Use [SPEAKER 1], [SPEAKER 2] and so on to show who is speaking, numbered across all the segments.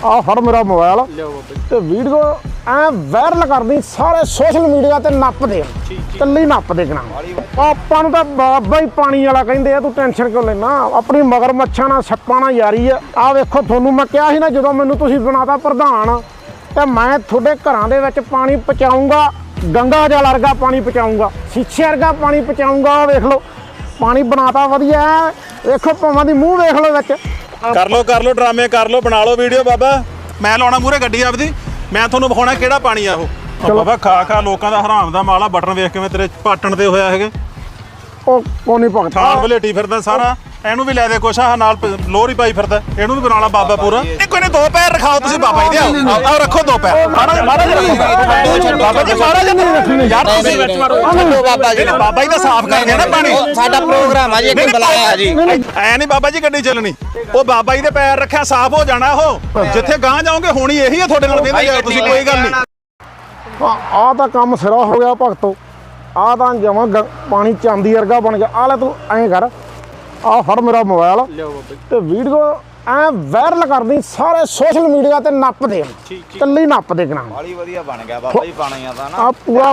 [SPEAKER 1] ਆ ਫੜ ਮੇਰਾ ਮੋਬਾਈਲ ਤੇ ਵੀਡੀਓ ਐ ਵਾਇਰਲ ਕਰਦੀ ਸਾਰੇ ਸੋਸ਼ਲ ਮੀਡੀਆ ਤੇ ਨੱਪ ਦੇ ਕੱਲੀ ਨੱਪ ਦੇਖਣਾ ਆਪਾਂ ਨੂੰ ਤਾਂ ਬਾਬਾ ਹੀ ਪਾਣੀ ਵਾਲਾ ਕਹਿੰਦੇ ਆ। ਤੂੰ ਟੈਨਸ਼ਨ ਕਿਉਂ ਲੈਣਾ? ਆਪਣੀ ਮਗਰ ਮੱਛਾਂ ਨਾਲ ਛੱਪਾਂ ਨਾਲ ਯਾਰੀ ਆ ਵੇਖੋ ਤੁਹਾਨੂੰ ਮੈਂ ਕਿਹਾ ਸੀ ਨਾ ਜਦੋਂ ਮੈਨੂੰ ਤੁਸੀਂ ਬਣਾਤਾ ਪ੍ਰਧਾਨ ਤੇ ਮੈਂ ਤੁਹਾਡੇ ਘਰਾਂ ਦੇ ਵਿੱਚ ਪਾਣੀ ਪਹੁੰਚਾਊਂਗਾ। ਗੰਗਾ ਜਲ ਵਰਗਾ ਪਾਣੀ ਪਹੁੰਚਾਊਂਗਾ, ਸ਼ੀਸ਼ੇ ਵਰਗਾ ਪਾਣੀ ਪਹੁੰਚਾਊਂਗਾ। ਵੇਖ ਲਓ ਪਾਣੀ ਬਣਾਤਾ ਵਧੀਆ। ਵੇਖੋ ਭਾਵਾਂ ਦੀ ਮੂੰਹ ਵੇਖ ਲਓ ਵਿੱਚ।
[SPEAKER 2] ਕਰ ਲੋ ਡਰਾਮੇ ਕਰ ਲੋ, ਬਣਾ ਲਓ ਵੀਡੀਓ। ਬਾਬਾ ਮੈਂ ਲਾਉਣਾ ਮੂਹਰੇ ਗੱਡੀ ਆਪਦੀ, ਮੈਂ ਤੁਹਾਨੂੰ ਵਿਖਾਉਣਾ ਕਿਹੜਾ ਪਾਣੀ ਆ ਉਹ। ਬਾਬਾ ਖਾ ਲੋਕਾਂ ਦਾ ਹਰਾਮ ਦਾ ਮਾਲਾ ਬਟਨ ਵੇਖ ਕਿਵੇਂ ਤੇਰੇ ਪਾਟਣ ਤੇ ਹੋਇਆ ਹੈਗੇ।
[SPEAKER 1] ਉਹ ਕੋਨੀ ਭਗਤ
[SPEAKER 2] ਥਾਂ ਭਲੇਟੀ ਫਿਰਦਾ ਸਾਰਾ। ਇਹਨੂੰ ਵੀ ਲੈ ਦੇ ਕੁਛ ਆ ਨਾਲ ਲੋਹਰੀ ਪਾਈ ਫਿਰਦਾ, ਇਹਨੂੰ ਵੀ ਬਣਾ ਲਾ ਬਾਬਾ ਪੂਰਾ। ਕੋਈ ਨੇ ਦੋ ਪੈਰ ਰਖਾਓ ਤੁਸੀਂ ਬਾਬਾ ਜੀ ਦੇ। ਆਓ ਰੱਖੋ ਦੋ ਪੈਰ। ਮਹਾਰਾਜ ਰੱਖੋ ਬਾਬਾ ਜੀ, ਮਹਾਰਾਜ ਨਹੀਂ ਰੱਖਣੇ ਯਾਰ ਤੁਸੀਂ ਵਿੱਚ ਮਾਰੋ ਬਾਬਾ ਜੀ। ਬਾਬਾ ਜੀ ਤਾਂ ਸਾਫ਼ ਕਰਦੇ ਨਾ ਪਾਣੀ।
[SPEAKER 3] ਸਾਡਾ ਪ੍ਰੋਗਰਾਮ ਆ ਜੀ, ਇੱਕ ਬੁਲਾਇਆ ਜੀ।
[SPEAKER 2] ਐ ਨਹੀਂ ਬਾਬਾ ਜੀ ਗੱਡੀ ਚੱਲਣੀ। ਉਹ ਬਾਬਾ ਜੀ ਦੇ ਪੈਰ ਰੱਖਿਆ ਸਾਫ਼ ਹੋ ਜਾਣਾ। ਉਹ ਜਿੱਥੇ ਗਾਂ ਜਾਓਗੇ ਹੋਣੀ ਇਹੀ ਆ ਤੁਹਾਡੇ ਨਾਲ। ਵੇਂਦੇ ਤੁਸੀਂ ਕੋਈ ਗੱਲ ਨਹੀਂ।
[SPEAKER 1] ਆ ਤਾਂ ਕੰਮ ਸਿਰਾ ਹੋ ਗਿਆ ਭਗਤੋ। ਆ ਤਾਂ ਜਮਾਂ ਪਾਣੀ ਚਾਂਦੀ ਵਰਗਾ ਬਣ ਗਿਆ। ਆ ਲੈ ਤੂੰ ਐਂ ਕਰ, ਆ ਫੜ ਮੇਰਾ ਮੋਬਾਈਲ ਤੇ ਵੀਡੀਓ ਐ ਵਾਇਰਲ ਕਰਦੀ ਸਾਰੇ ਸੋਸ਼ਲ ਮੀਡੀਆ ਤੇ ਨੱਪ ਦੇ ਕੱਲੀ ਨੱਪ ਦੇਖਣਾ।
[SPEAKER 3] ਬਾਲੀ ਵਧੀਆ ਬਣ ਗਿਆ ਬਾਬਾ ਜੀ ਪਾਣੀ ਦਾ ਨਾ।
[SPEAKER 1] ਆ ਪੂਰਾ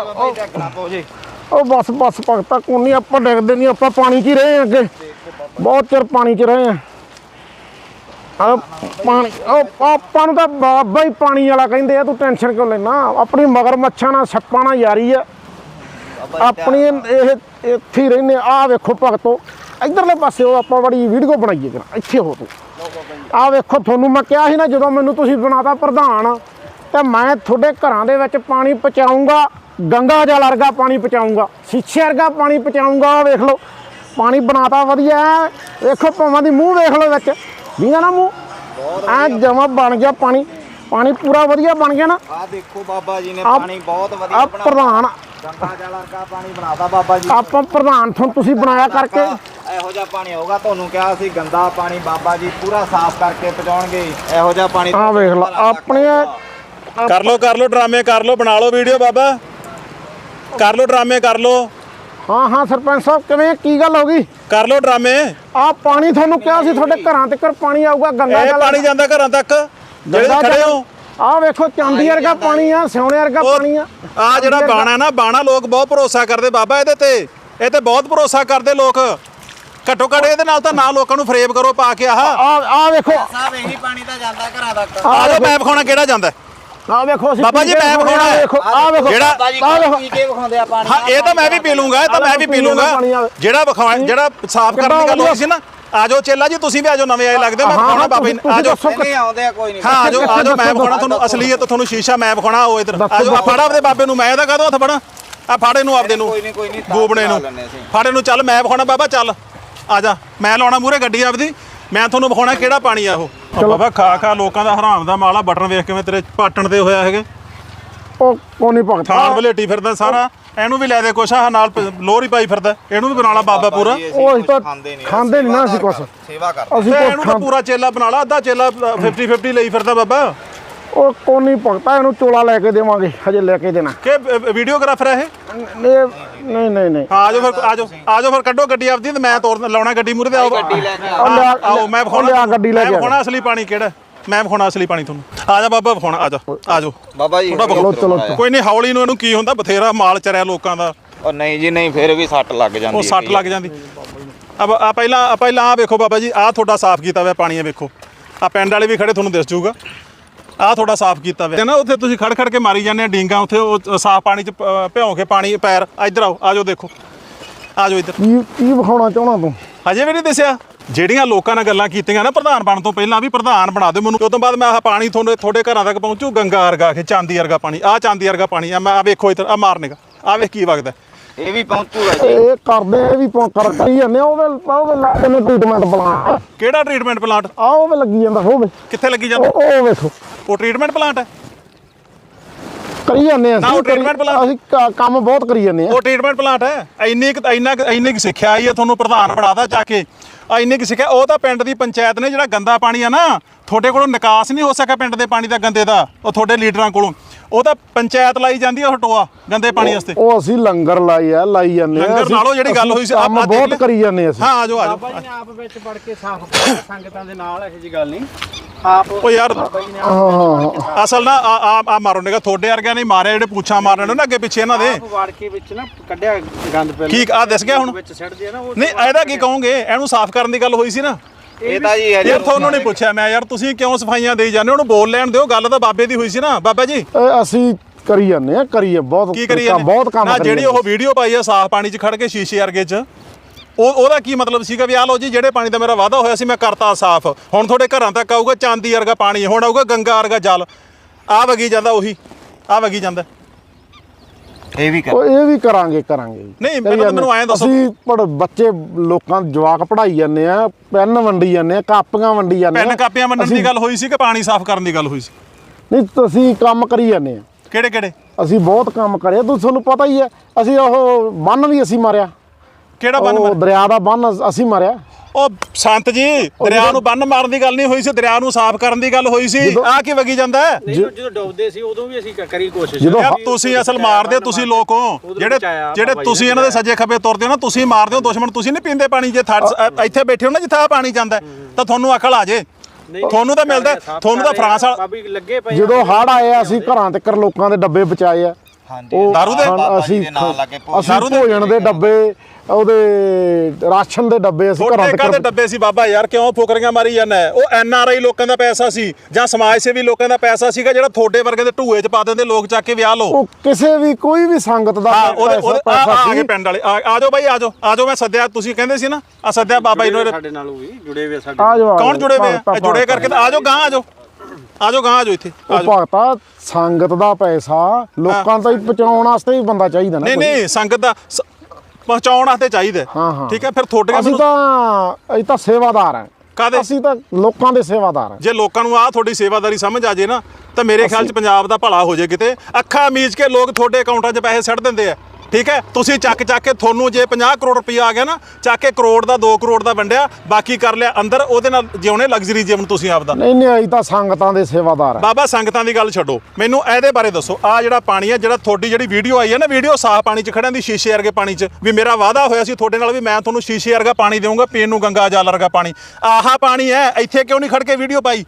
[SPEAKER 1] ਉਹ ਬਸ ਭਗਤਾ ਕੋਨੀ ਆਪਾਂ ਡਿੱਗਦੇ ਨਹੀਂ। ਆਪਾਂ ਪਾਣੀ 'ਚ ਹੀ ਰਹੇ ਅੱਗੇ, ਬਹੁਤ ਚਿਰ ਪਾਣੀ 'ਚ ਰਹੇ ਆ। ਪਾਣੀ ਉਹ ਆਪਾਂ ਨੂੰ ਤਾਂ ਬਾਬਾ ਹੀ ਪਾਣੀ ਵਾਲਾ ਕਹਿੰਦੇ ਆ। ਤੂੰ ਟੈਨਸ਼ਨ ਕਿਉਂ ਲੈਣਾ? ਆਪਣੀ ਮਗਰ ਮੱਛਾਂ ਨਾਲ ਛੱਪਾਂ ਨਾਲ ਯਾਰੀ ਆ ਆਪਣੀ। ਇਹ ਇੱਥੇ ਹੀ ਰਹਿੰਦੇ। ਆ ਵੇਖੋ ਭਗਤੋ ਇੱਧਰਲੇ ਪਾਸੇ ਉਹ ਆਪਾਂ ਬੜੀ ਵੀਡੀਓ ਬਣਾਈਏ ਕਰਾਂ। ਇੱਥੇ ਹੋ ਤੂੰ ਆ ਵੇਖੋ ਤੁਹਾਨੂੰ ਮੈਂ ਕਿਹਾ ਸੀ ਨਾ ਜਦੋਂ ਮੈਨੂੰ ਤੁਸੀਂ ਬਣਾਤਾ ਪ੍ਰਧਾਨ ਤੇ ਮੈਂ ਤੁਹਾਡੇ ਘਰਾਂ ਦੇ ਵਿੱਚ ਪਾਣੀ ਪਹੁੰਚਾਊਂਗਾ। ਗੰਗਾ ਜਲ ਵਰਗਾ ਪਾਣੀ ਪਹੁੰਚਾਊਂਗਾ, ਸ਼ੀਸ਼ੇ ਵਰਗਾ ਪਾਣੀ ਪਹੁੰਚਾਊਂਗਾ। ਵੇਖ ਲਓ ਪਾਣੀ ਬਣਾਤਾ ਵਧੀਆ। ਵੇਖੋ ਭਾਵਾਂ ਦੀ ਮੂੰਹ ਵੇਖ ਲਓ ਵਿੱਚ ਵੀਗਾ ਨਾ ਮੂੰਹ ਐ ਜਮਾ ਬਣ ਗਿਆ ਪਾਣੀ। ਪਾਣੀ ਪੂਰਾ ਵਧੀਆ ਬਣ ਗਿਆ ਨਾ।
[SPEAKER 3] ਆ ਦੇਖੋ ਬਾਬਾ ਜੀ ਨੇ ਪਾਣੀ ਬਹੁਤ ਵਧੀਆ
[SPEAKER 1] ਬਣਾਇਆ। ਪ੍ਰਧਾਨ
[SPEAKER 3] ਗੰਗਾ ਜਲ ਵਰਗਾ ਪਾਣੀ ਬਣਾਤਾ ਬਾਬਾ ਜੀ।
[SPEAKER 1] ਆਪਾਂ ਪ੍ਰਧਾਨ ਤੁਸੀਂ ਬਣਾਇਆ ਕਰਕੇ
[SPEAKER 3] ਇਹੋ ਜਿਹਾ ਪਾਣੀ ਆਊਗਾ। ਤੁਹਾਨੂੰ ਕਿਹਾ ਸੀ ਗੰਦਾ ਪਾਣੀ ਬਾਬਾ ਜੀ ਪੂਰਾ ਸਾਫ਼ ਕਰਕੇ ਪਹੁੰਚਾਉਣਗੇ। ਇਹੋ ਜਿਹਾ ਪਾਣੀ
[SPEAKER 1] ਆ ਵੇਖ ਲਓ ਆਪਣੇ।
[SPEAKER 2] ਕਰ ਲੋ ਡਰਾਮੇ ਕਰ ਲੋ, ਬਣਾ ਲਓ ਵੀਡੀਓ। ਬਾਬਾ ਕਰ ਲੋ ਡਰਾਮੇ ਕਰ ਲੋ।
[SPEAKER 1] ਹਾਂ ਸਰਪੰਚ ਸਾਹਿਬ ਕਿਵੇਂ ਕੀ ਗੱਲ ਹੋ ਗਈ?
[SPEAKER 2] ਕਰ ਲੋ ਡਰਾਮੇ।
[SPEAKER 1] ਆ ਪਾਣੀ ਤੁਹਾਨੂੰ ਕਿਹਾ ਸੀ ਤੁਹਾਡੇ ਘਰਾਂ ਤੱਕ ਪਾਣੀ ਆਊਗਾ। ਗੰਗਾ
[SPEAKER 2] ਇਹ
[SPEAKER 1] ਜਲ
[SPEAKER 2] ਪਾਣੀ ਜਾਂਦਾ ਘਰਾਂ ਤੱਕ ਜਿਹੜੇ ਖੜੇ ਹੋ।
[SPEAKER 1] ਆ ਵੇਖੋ ਚਾਂਦੀ ਵਰਗਾ ਪਾਣੀ ਆ, ਸੋਨੇ ਵਰਗਾ ਪਾਣੀ ਆ।
[SPEAKER 2] ਆ ਜਿਹੜਾ ਬਾਣਾ ਨਾ ਬਾਣਾ ਲੋਕ ਬਹੁਤ ਭਰੋਸਾ ਕਰਦੇ ਬਾਬਾ ਇਹਦੇ ਤੇ। ਇਹ ਤੇ ਬਹੁਤ ਭਰੋਸਾ ਕਰਦੇ ਲੋਕ। ਘੱਟੋ ਘੱਟ ਇਹਦੇ ਨਾਲ ਤਾਂ ਨਾ ਲੋਕਾਂ ਨੂੰ ਫਰੇਬ ਕਰੋ ਪਾ ਕੇ।
[SPEAKER 1] ਆ ਵੇਖੋ
[SPEAKER 3] ਸਾਹਿਬ ਇਹੀ ਪਾਣੀ ਤਾਂ ਜਾਂਦਾ ਘਰਾਂ ਤੱਕ।
[SPEAKER 2] ਆ ਜਾਓ ਮੈਂ ਵਿਖਾਉਣਾ ਕਿਹੜਾ ਜਾਂਦਾ।
[SPEAKER 1] ਆ ਵੇਖੋ
[SPEAKER 2] ਬਾਬਾ ਜੀ ਮੈਂ ਵਿਖਾਉਣਾ।
[SPEAKER 1] ਆ ਵੇਖੋ
[SPEAKER 2] ਜਿਹੜਾ
[SPEAKER 3] ਪੀ ਕੇ ਵਿਖਾਉਂਦੇ ਆ ਪਾਣੀ।
[SPEAKER 2] ਹਾਂ ਇਹ ਤਾਂ ਮੈਂ ਵੀ ਪੀ ਲੂੰਗਾ, ਇਹ ਤਾਂ ਮੈਂ ਵੀ ਪੀ ਲੂੰਗਾ। ਜਿਹੜਾ ਵਿਖਾਉਣਾ ਜਿਹੜਾ ਸਾਫ਼ ਕਰਨ ਦੀ ਗੱਲ ਹੋਈ ਸੀ ਨਾ। ਆਜੋ ਚੇਲਾ ਜੀ ਤੁਸੀਂ ਵੀ ਆਜੋ, ਨਵੇਂ ਆਏ ਲੱਗਦੇ। ਮੈਂ ਵਿਖਾਉਣਾ ਬਾਬਾ ਜੀ। ਆਜੋ
[SPEAKER 3] ਨਹੀਂ ਆਉਂਦੇ ਆ ਕੋਈ ਨਹੀਂ।
[SPEAKER 2] ਹਾਂ ਆਜੋ ਮੈਂ ਵਿਖਾਉਣਾ ਤੁਹਾਨੂੰ ਅਸਲੀਅਤ, ਤੁਹਾਨੂੰ ਸ਼ੀਸ਼ਾ ਮੈਂ ਵਿਖਾਉਣਾ। ਉਹ ਇਧਰ ਆਜੋ। ਆ ਫੜਾ ਆਪਦੇ ਬਾਬੇ ਨੂੰ। ਮੈਂ ਇਹਦਾ ਕਾਹਦੋਂ ਹੱਥ ਫੜਾਂ? ਆ ਫਾੜੇ ਨੂੰ ਆਪਦੇ ਨੂੰ ਗੋਬਣੇ ਨੂੰ ਫਾੜੇ ਨੂੰ। ਚੱਲ ਮੈਂ ਵਿਖਾਉਣਾ ਬਾਬਾ। ਚੱਲ ਆ ਜਾ, ਮੈਂ ਲਾਉਣਾ ਮੂਹਰੇ ਗੱਡੀ ਆਪਦੀ, ਮੈਂ ਤੁਹਾਨੂੰ ਵਿਖਾਉਣਾ ਕਿਹੜਾ ਪਾਣੀ ਆ ਉਹ। ਬਾਬਾ ਖਾ ਲੋਕਾਂ ਦਾ ਹਰਾਮ ਦਾ ਮਾਲਾ ਬਟਨ ਵੇਖ ਕਿਵੇਂ ਤੇਰੇ ਪਾਟਣ ਤੇ ਹੋਇਆ ਹੈਗੇ।
[SPEAKER 1] ਉਹ ਕੋਨੀ ਭਗਤ
[SPEAKER 2] ਥਾਂ ਭਲੇਟੀ ਫਿਰਦਾ ਸਾਰਾ। ਇਹਨੂੰ ਵੀ ਲੈ ਦੇ ਕੁਛ ਆ ਨਾਲ ਲੋਹਰੀ ਪਾਈ ਫਿਰਦਾ, ਇਹਨੂੰ ਵੀ ਬਣਾ ਲਾ ਬਾਬਾ ਪੂਰਾ।
[SPEAKER 1] ਉਹ ਤਾਂ ਖਾਂਦੇ ਨਹੀਂ ਨਾ ਅਸੀਂ ਕੁਛ।
[SPEAKER 3] ਸੇਵਾ ਕਰਦੇ
[SPEAKER 1] ਅਸੀਂ
[SPEAKER 2] ਇਹਨੂੰ ਤਾਂ ਪੂਰਾ ਚੇਲਾ ਬਣਾ ਲਾ। ਅੱਧਾ ਚੇਲਾ 50-50 ਲਈ ਫਿਰਦਾ ਬਾਬਾ।
[SPEAKER 1] ਉਹ ਕੋਨੀ ਭਗਤਾ ਇਹਨੂੰ ਚੋਲਾ ਲੈ ਕੇ ਦੇਵਾਂਗੇ, ਹਜੇ ਲੈ ਕੇ ਦੇਣਾ।
[SPEAKER 2] ਕਿ ਵੀਡੀਓਗ੍ਰਾਫਰ ਹੈ ਇਹ?
[SPEAKER 1] ਨਹੀਂ।
[SPEAKER 2] ਹਾਂ ਆਜੋ ਫਿਰ ਕੱਢੋ ਗੱਡੀ ਆਪਦੀ ਤੇ ਮੈਂ ਤੋੜ ਲਾਉਣਾ ਗੱਡੀ ਮੂਹਰੇ ਤੇ। ਆਓ ਆਓ ਮੈਂ ਵਿਖਾਉਣਾ
[SPEAKER 1] ਗੱਡੀ ਲੈ ਕੇ।
[SPEAKER 2] ਮੈਂ ਵਿਖਾਉਣਾ ਅਸਲੀ ਪਾਣੀ ਕਿਹੜਾ। ਮੈਂ ਵਿਖਾਉਣਾ ਅਸਲੀ ਪਾਣੀ ਤੁਹਾਨੂੰ। ਆ ਜਾ ਬਾਬਾ ਵਿਖਾਉਣਾ। ਆਜੋ
[SPEAKER 3] ਬਾਬਾ ਜੀ।
[SPEAKER 1] ਚਲੋ
[SPEAKER 2] ਕੋਈ ਨਹੀਂ ਹੌਲੀ ਨੂੰ। ਇਹਨੂੰ ਕੀ ਹੁੰਦਾ ਬਥੇਰਾ ਮਾਲ ਚਰਿਆ ਲੋਕਾਂ ਦਾ।
[SPEAKER 3] ਉਹ ਨਹੀਂ ਜੀ ਨਹੀਂ, ਫਿਰ ਵੀ ਸੱਟ ਲੱਗ ਜਾਂਦੀ।
[SPEAKER 2] ਉਹ ਸੱਟ ਲੱਗ ਜਾਂਦੀ। ਆ ਪਹਿਲਾਂ ਆ ਵੇਖੋ ਬਾਬਾ ਜੀ। ਆ ਤੁਹਾਡਾ ਸਾਫ਼ ਕੀਤਾ ਹੋਇਆ ਪਾਣੀ। ਵੇਖੋ ਆ ਪਿੰਡ ਵਾਲੇ ਵੀ ਖੜੇ, ਤੁਹਾਨੂੰ ਦਿਸ ਜੂਗਾ। ਆ ਤੁਹਾਡਾ ਸਾਫ਼ ਕੀਤਾ ਹੋਇਆ ਨਾ। ਉੱਥੇ ਤੁਸੀਂ ਖੜ ਕੇ ਮਾਰੀ ਜਾਂਦੇ ਆ ਡੀਂਗਾ। ਉੱਥੇ ਉਹ ਸਾਫ਼ ਪਾਣੀ 'ਚ ਭਿਉਂ ਕੇ ਪਾਣੀ ਪੈਰ। ਇੱਧਰ ਆਜੋ ਦੇਖੋ। ਆਜੋ ਇੱਧਰ।
[SPEAKER 1] ਕੀ ਵਿਖਾਉਣਾ ਚਾਹਣਾ ਤੂੰ?
[SPEAKER 2] ਹਜੇ ਵੀ ਨਹੀਂ ਦੱਸਿਆ। ਜਿਹੜੀਆਂ ਲੋਕਾਂ ਨਾਲ ਗੱਲਾਂ ਕੀਤੀਆਂ ਨਾ ਪ੍ਰਧਾਨ ਬਣਨ ਤੋਂ ਪਹਿਲਾਂ, ਵੀ ਪ੍ਰਧਾਨ ਬਣਾ ਦਿਓ ਮੈਨੂੰ। ਉਸ ਤੋਂ ਬਾਅਦ ਮੈਂ ਆਹ ਪਾਣੀ ਤੁਹਾਡੇ ਘਰਾਂ ਤੱਕ ਪਹੁੰਚੂ। ਗੰਗਾ ਵਰਗਾ ਕੇ ਚਾਂਦੀ ਵਰਗਾ ਪਾਣੀ। ਆ ਚਾਂਦੀ ਵਰਗਾ ਪਾਣੀ ਆ। ਮੈਂ ਆ ਵੇਖੋ ਇੱਧਰ ਆ ਮਾਰਨੇਗਾ। ਆ ਵੇਖ ਕੀ ਵਗਦਾ।
[SPEAKER 3] ਇਹ ਵੀ ਪਹੁੰਚੂਗਾ ਜੀ।
[SPEAKER 1] ਇਹ ਕਰਦੇ ਇਹ ਵੀ ਕਰੀ ਜਾਂਦੇ। ਉਹਦੇ ਲੱਗੇ ਨੂੰ ਟ੍ਰੀਟਮੈਂਟ ਪਲਾਂਟ।
[SPEAKER 2] ਕਿਹੜਾ ਟ੍ਰੀਟਮੈਂਟ ਪਲਾਂਟ?
[SPEAKER 1] ਆ ਉਹ ਲੱਗੀ ਜਾਂਦਾ ਹੋਵੇ।
[SPEAKER 2] ਕਿੱਥੇ ਲੱਗੀ ਜਾਂਦਾ?
[SPEAKER 1] ਉਹ ਵੇਖੋ
[SPEAKER 2] ਉਹ ਟ੍ਰੀਟਮੈਂਟ ਪਲਾਂਟ ਹੈ।
[SPEAKER 1] ਕਰੀ ਜਾਂਦੇ
[SPEAKER 2] ਨਾ ਉਹ ਟ੍ਰੀਟਮੈਂਟ ਪਲਾਂਟ।
[SPEAKER 1] ਅਸੀਂ ਕੰਮ ਬਹੁਤ ਕਰੀ ਜਾਂਦੇ ਆ।
[SPEAKER 2] ਉਹ ਟ੍ਰੀਟਮੈਂਟ ਪਲਾਂਟ ਹੈ। ਇੰਨੀ ਕੁ ਸਿੱਖਿਆ ਆਈ ਹੈ ਤੁਹਾਨੂੰ ਪ੍ਰਧਾਨ ਬਣਾਦਾ ਜਾ ਕੇ। ਇੰਨੀ ਕੁ ਸਿੱਖਿਆ। ਉਹ ਤਾਂ ਪਿੰਡ ਦੀ ਪੰਚਾਇਤ ਨੇ ਜਿਹੜਾ ਗੰਦਾ ਪਾਣੀ ਆ ਨਾ, ਤੁਹਾਡੇ ਕੋਲੋਂ ਨਿਕਾਸ ਨਹੀਂ ਹੋ ਸਕਿਆ ਪਿੰਡ ਦੇ ਪਾਣੀ ਦਾ ਗੰਦੇ ਦਾ। ਉਹ ਤੁਹਾਡੇ ਲੀਡਰਾਂ ਕੋਲੋਂ ਉਹ ਤਾਂ ਪੰਚਾਇਤ ਲਾਈ ਜਾਂਦੀ ਆ ਟੋਆ ਗੰਦੇ ਪਾਣੀ ਵਾਸਤੇ।
[SPEAKER 1] ਉਹ ਅਸੀਂ ਲੰਗਰ ਲਾਈ ਜਾਂਦੇ ਆ।
[SPEAKER 2] ਲੰਗਰ ਨਾਲੋਂ ਜਿਹੜੀ ਗੱਲ ਹੋਈ ਸੀ
[SPEAKER 1] ਕੰਮ ਬਹੁਤ ਕਰੀ ਜਾਂਦੇ ਅਸੀਂ।
[SPEAKER 2] ਹਾਂ ਆਜੋ
[SPEAKER 4] ਬਾਬਾ ਜੀ ਨੇ ਆਪ ਵਿੱਚ ਵੜ ਕੇ ਸਾਫ਼ ਸੰਗਤਾਂ ਦੇ ਨਾਲ ਇਹੋ ਜਿਹੀ ਗੱਲ ਨਹੀਂ।
[SPEAKER 3] ਆਪ
[SPEAKER 2] ਉਹ ਯਾਰ ਅਸਲ ਨਾ ਆ ਮਾਰੋ ਨਿਕਾ ਤੁਹਾਡੇ ਵਰਗਿਆਂ ਨੇ ਮਾਰਿਆ ਜਿਹੜੇ ਪੁੱਛਾਂ ਮਾਰਨ ਨੇ ਨਾ ਅੱਗੇ ਪਿੱਛੇ ਇਹਨਾਂ ਦੇ
[SPEAKER 4] ਵਾੜ ਕੇ ਵਿੱਚ ਨਾ ਕੱਢਿਆ ਗੰਦ ਪਹਿਲਾਂ
[SPEAKER 2] ਕੀ ਆ ਦਿਸ ਗਿਆ ਹੁਣ
[SPEAKER 4] ਵਿੱਚ ਸਿੱਟਦੇ ਆ ਨਾ ਉਹ
[SPEAKER 2] ਨਹੀਂ ਇਹਦਾ ਕੀ ਕਹੋਗੇ ਇਹਨੂੰ ਸਾਫ਼ ਕਰਨ ਦੀ ਗੱਲ ਹੋਈ ਸੀ ਨਾ
[SPEAKER 3] ਇਹ ਤਾਂ ਜੀ
[SPEAKER 2] ਯਾਰ ਤੁਹਾਨੂੰ ਨਹੀਂ ਪੁੱਛਿਆ ਮੈਂ ਯਾਰ ਤੁਸੀਂ ਕਿਉਂ ਸਫਾਈਆਂ ਦੇਈ ਜਾਂਦੇ ਉਹਨੂੰ ਬੋਲ ਲੈਣ ਦਿਓ ਗੱਲ ਤਾਂ ਬਾਬੇ ਦੀ ਹੋਈ ਸੀ ਨਾ ਬਾਬਾ ਜੀ
[SPEAKER 1] ਇਹ ਅਸੀਂ ਕਰੀ ਜਾਂਦੇ ਆ ਕਰੀਏ ਬਹੁਤ
[SPEAKER 2] ਕੀ ਕਰੀ ਜਾਂਦੇ
[SPEAKER 1] ਬਹੁਤ ਕੰਮ
[SPEAKER 2] ਨਾ
[SPEAKER 1] ਕਰੀ
[SPEAKER 2] ਜਿਹੜੀ ਉਹ ਵੀਡੀਓ ਪਾਈ ਆ ਸਾਫ਼ ਪਾਣੀ 'ਚ ਖੜ ਕੇ ਸ਼ੀਸ਼ੇ ਵਰਗੇ 'ਚ ਉਹਦਾ ਕੀ ਮਤਲਬ ਸੀਗਾ ਵੀ ਆ ਲਓ ਜੀ ਜਿਹੜੇ ਪਾਣੀ ਦਾ ਮੇਰਾ ਵਾਅਦਾ ਹੋਇਆ ਸੀ ਮੈਂ ਕਰਤਾ ਸਾਫ਼ ਹੁਣ ਤੁਹਾਡੇ ਘਰਾਂ ਤੱਕ ਆਊਗਾ ਚਾਂਦੀ ਵਰਗਾ ਪਾਣੀ ਹੁਣ ਆਊਗਾ ਗੰਗਾ ਵਰਗਾ ਜਲ ਆ ਵਗੀ ਜਾਂਦਾ ਉਹੀ ਆ ਵਗੀ ਜਾਂਦਾ
[SPEAKER 3] ਇਹ ਵੀ
[SPEAKER 1] ਉਹ ਇਹ ਵੀ ਕਰਾਂਗੇ ਜੀ।
[SPEAKER 2] ਨਹੀਂ, ਪਹਿਲਾਂ ਤਾਂ ਮੈਨੂੰ ਐਂ ਦੱਸੋ।
[SPEAKER 1] ਅਸੀਂ ਬੱਚੇ ਲੋਕਾਂ ਜਵਾਕ ਪੜਾਈ ਜਾਂਦੇ ਆ ਪੈਨ ਵੰਡੀ ਜਾਂਦੇ ਆ ਕਾਪੀਆਂ ਵੰਡੀ ਜਾਂਦੇ ਆ
[SPEAKER 2] ਪੈਨ ਕਾਪੀਆਂ ਵੰਡਣ ਦੀ ਗੱਲ ਹੋਈ ਸੀ ਕਿ ਪਾਣੀ ਸਾਫ਼ ਕਰਨ ਦੀ ਗੱਲ ਹੋਈ ਸੀ
[SPEAKER 1] ਨਹੀਂ ਤੁਸੀਂ ਕੰਮ ਕਰੀ ਜਾਂਦੇ ਆ
[SPEAKER 2] ਕਿਹੜੇ ਕਿਹੜੇ
[SPEAKER 1] ਅਸੀਂ ਬਹੁਤ ਕੰਮ ਕਰਿਆ ਤੁਹਾਨੂੰ ਪਤਾ ਹੀ ਹੈ ਅਸੀਂ ਉਹ ਬੰਨ ਵੀ ਅਸੀਂ ਮਾਰਿਆ
[SPEAKER 2] ਕਿਹੜਾ ਬੰਨ
[SPEAKER 1] ਉਹ ਦਰਿਆ ਦਾ ਬੰਨ ਅਸੀਂ ਮਾਰਿਆ
[SPEAKER 2] ਉਹ ਸੰਤ ਜੀ ਦਰਿਆ ਨੂੰ ਬੰਨ ਮਾਰਨ ਦੀ ਗੱਲ ਨਹੀਂ ਹੋਈ ਸੀ ਦਰਿਆ ਨੂੰ ਸਾਫ਼ ਕਰਨ ਦੀ ਗੱਲ ਹੋਈ ਸੀ ਆ ਕੀ ਵਗੀ ਜਾਂਦਾ
[SPEAKER 4] ਨਹੀਂ ਜਦੋਂ ਡੁੱਬਦੇ ਸੀ ਉਦੋਂ ਵੀ ਅਸੀਂ ਕਰੀ ਕੋਸ਼ਿਸ਼
[SPEAKER 2] ਯਾਰ ਤੁਸੀਂ ਅਸਲ ਮਾਰਦੇ ਤੁਸੀਂ ਲੋਕ ਹੋ ਜਿਹੜੇ ਤੁਸੀਂ ਇਹਨਾਂ ਦੇ ਸੱਜੇ ਖੱਬੇ ਤੁਰਦੇ ਹੋ ਨਾ ਤੁਸੀਂ ਮਾਰਦੇ ਹੋ ਦੁਸ਼ਮਣ ਤੁਸੀਂ ਨਹੀਂ ਪੀਂਦੇ ਪਾਣੀ ਜੇ ਇੱਥੇ ਬੈਠੇ ਹੋ ਨਾ ਜਿੱਥੇ ਆ ਪਾਣੀ ਜਾਂਦਾ ਤਾਂ ਤੁਹਾਨੂੰ ਅਕਲ ਆ ਜੇ ਤੁਹਾਨੂੰ ਤਾਂ ਮਿਲਦਾ ਤੁਹਾਨੂੰ ਤਾਂ ਫਰਾਂਸ ਵਾਲਾ
[SPEAKER 4] ਲੱਗੇ ਪਏ
[SPEAKER 1] ਜਦੋਂ ਹੜ੍ਹ ਆਏ ਆ ਅਸੀਂ ਘਰਾਂ ਤੱਕ ਲੋਕਾਂ ਦੇ ਡੱਬੇ ਬਚਾਏ ਆ
[SPEAKER 3] ਹਾਂਜੀ
[SPEAKER 2] ਦਾਰੂ ਦੇ
[SPEAKER 1] ਅਸੀਂ ਭੋਜਨ ਦੇ ਡੱਬੇ ਉਹਦੇ ਰਾਸ਼ਨ ਦੇ ਡੱਬੇ ਅਸੀਂ ਘਰਾਂ
[SPEAKER 2] ਤੱਕ ਦੇ ਡੱਬੇ ਸੀ ਬਾਬਾ ਯਾਰ ਕਿਉਂ ਫੁਕਰੀਆਂ ਮਾਰੀ ਜਾਂਦਾ ਉਹ NRI ਲੋਕਾਂ ਦਾ ਪੈਸਾ ਸੀ ਜਾਂ ਸਮਾਜ ਸੇਵੀ ਲੋਕਾਂ ਦਾ ਪੈਸਾ ਸੀਗਾ ਜਿਹੜਾ ਤੁਹਾਡੇ ਵਰਗੇ ਦੇ ਢੂਏ 'ਚ ਪਾ ਦਿੰਦੇ ਲੋਕ ਚੱਕ ਕੇ ਵਿਆਹ ਲਓ
[SPEAKER 1] ਉਹ ਕਿਸੇ ਵੀ ਕੋਈ ਵੀ ਸੰਗਤ ਦਾ
[SPEAKER 2] ਆ ਗਏ ਪਿੰਡ ਵਾਲੇ ਆ ਜਾਓ ਬਾਈ ਆ ਜਾਓ ਮੈਂ ਸੱਦਿਆ ਤੁਸੀਂ ਕਹਿੰਦੇ ਸੀ ਨਾ ਆ ਸੱਦਿਆ ਬਾਬਾ ਜੀ ਨੂੰ
[SPEAKER 4] ਸਾਡੇ ਨਾਲ ਵੀ ਜੁੜੇ ਹੋਏ ਸਾਡੇ
[SPEAKER 2] ਕੌਣ ਜੁੜੇ ਹੋਏ ਆ ਜੁੜੇ ਕਰਕੇ ਆ ਜਾਓ ਗਾਂ ਆ ਜਾਓ ਇੱਥੇ
[SPEAKER 1] ਉਹ ਭਗਤਾ ਸੰਗਤ ਦਾ ਪੈਸਾ ਲੋਕਾਂ ਤਾਈਂ ਪਹੁੰਚਾਉਣ ਵਾਸਤੇ ਵੀ ਬੰਦਾ ਚਾਹੀਦਾ ਨਾ
[SPEAKER 2] ਨਹੀਂ ਸੰਗਤ ਦਾ ਪਹੁੰਚਾਉਣ ਵਾਸਤੇ ਚਾਹੀਦਾ ਠੀਕ ਹੈ ਫਿਰ ਤੁਹਾਡੇ
[SPEAKER 1] ਅਸੀਂ ਤਾਂ ਸੇਵਾਦਾਰ ਆ
[SPEAKER 2] ਕਾਹਦੇ
[SPEAKER 1] ਅਸੀਂ ਤਾਂ ਲੋਕਾਂ ਦੇ ਸੇਵਾਦਾਰ ਆ
[SPEAKER 2] ਜੇ ਲੋਕਾਂ ਨੂੰ ਆ ਤੁਹਾਡੀ ਸੇਵਾਦਾਰੀ ਸਮਝ ਆ ਜੇ ਨਾ ਤਾਂ ਮੇਰੇ ਖਿਆਲ 'ਚ ਪੰਜਾਬ ਦਾ ਭਲਾ ਹੋ ਜੇ ਕਿਤੇ ਅੱਖਾਂ ਮੀਚ ਕੇ ਲੋਕ ਤੁਹਾਡੇ ਅਕਾਊਂਟਾਂ 'ਚ ਪੈਸੇ ਸੱਟ ਦਿੰਦੇ ਆ ਠੀਕ ਹੈ ਤੁਸੀਂ ਚੱਕ ਕੇ ਤੁਹਾਨੂੰ ਜੇ 50 ਕਰੋੜ ਰੁਪਈਆ ਆ ਗਿਆ ਨਾ ਚੱਕ ਕੇ ਕਰੋੜ ਦਾ 2 ਕਰੋੜ ਦਾ ਵੰਡਿਆ ਬਾਕੀ ਕਰ ਲਿਆ ਅੰਦਰ ਉਹਦੇ ਨਾਲ ਜਿਉਣੇ ਲਗਜ਼ਰੀ ਜੀਵਨ ਤੁਸੀਂ ਆਪਦਾ
[SPEAKER 1] ਨਹੀਂ ਅਸੀਂ ਤਾਂ ਸੰਗਤਾਂ ਦੇ ਸੇਵਾਦਾਰ ਆ
[SPEAKER 2] ਬਾਬਾ ਸੰਗਤਾਂ ਦੀ ਗੱਲ ਛੱਡੋ ਮੈਨੂੰ ਇਹਦੇ ਬਾਰੇ ਦੱਸੋ ਆ ਜਿਹੜਾ ਪਾਣੀ ਹੈ ਜਿਹੜਾ ਤੁਹਾਡੀ ਜਿਹੜੀ ਵੀਡੀਓ ਆਈ ਹੈ ਨਾ ਵੀਡੀਓ ਸਾਫ਼ ਪਾਣੀ 'ਚ ਖੜਿਆਂ ਦੀ ਸ਼ੀਸ਼ੇ ਵਰਗੇ ਪਾਣੀ 'ਚ ਵੀ ਮੇਰਾ ਵਾਅਦਾ ਹੋਇਆ ਸੀ ਤੁਹਾਡੇ ਨਾਲ ਵੀ ਮੈਂ ਤੁਹਾਨੂੰ ਸ਼ੀਸ਼ੇ ਵਰਗਾ ਪਾਣੀ ਦੇਵਾਂਗਾ ਪੀਣ ਨੂੰ ਗੰਗਾ ਜਲ ਵਰਗਾ ਪਾਣੀ ਆਹਾ ਪਾਣੀ ਹੈ ਇੱਥੇ ਕਿਉਂ ਨਹੀਂ ਖੜ ਕੇ ਵੀਡੀਓ ਪਾਈ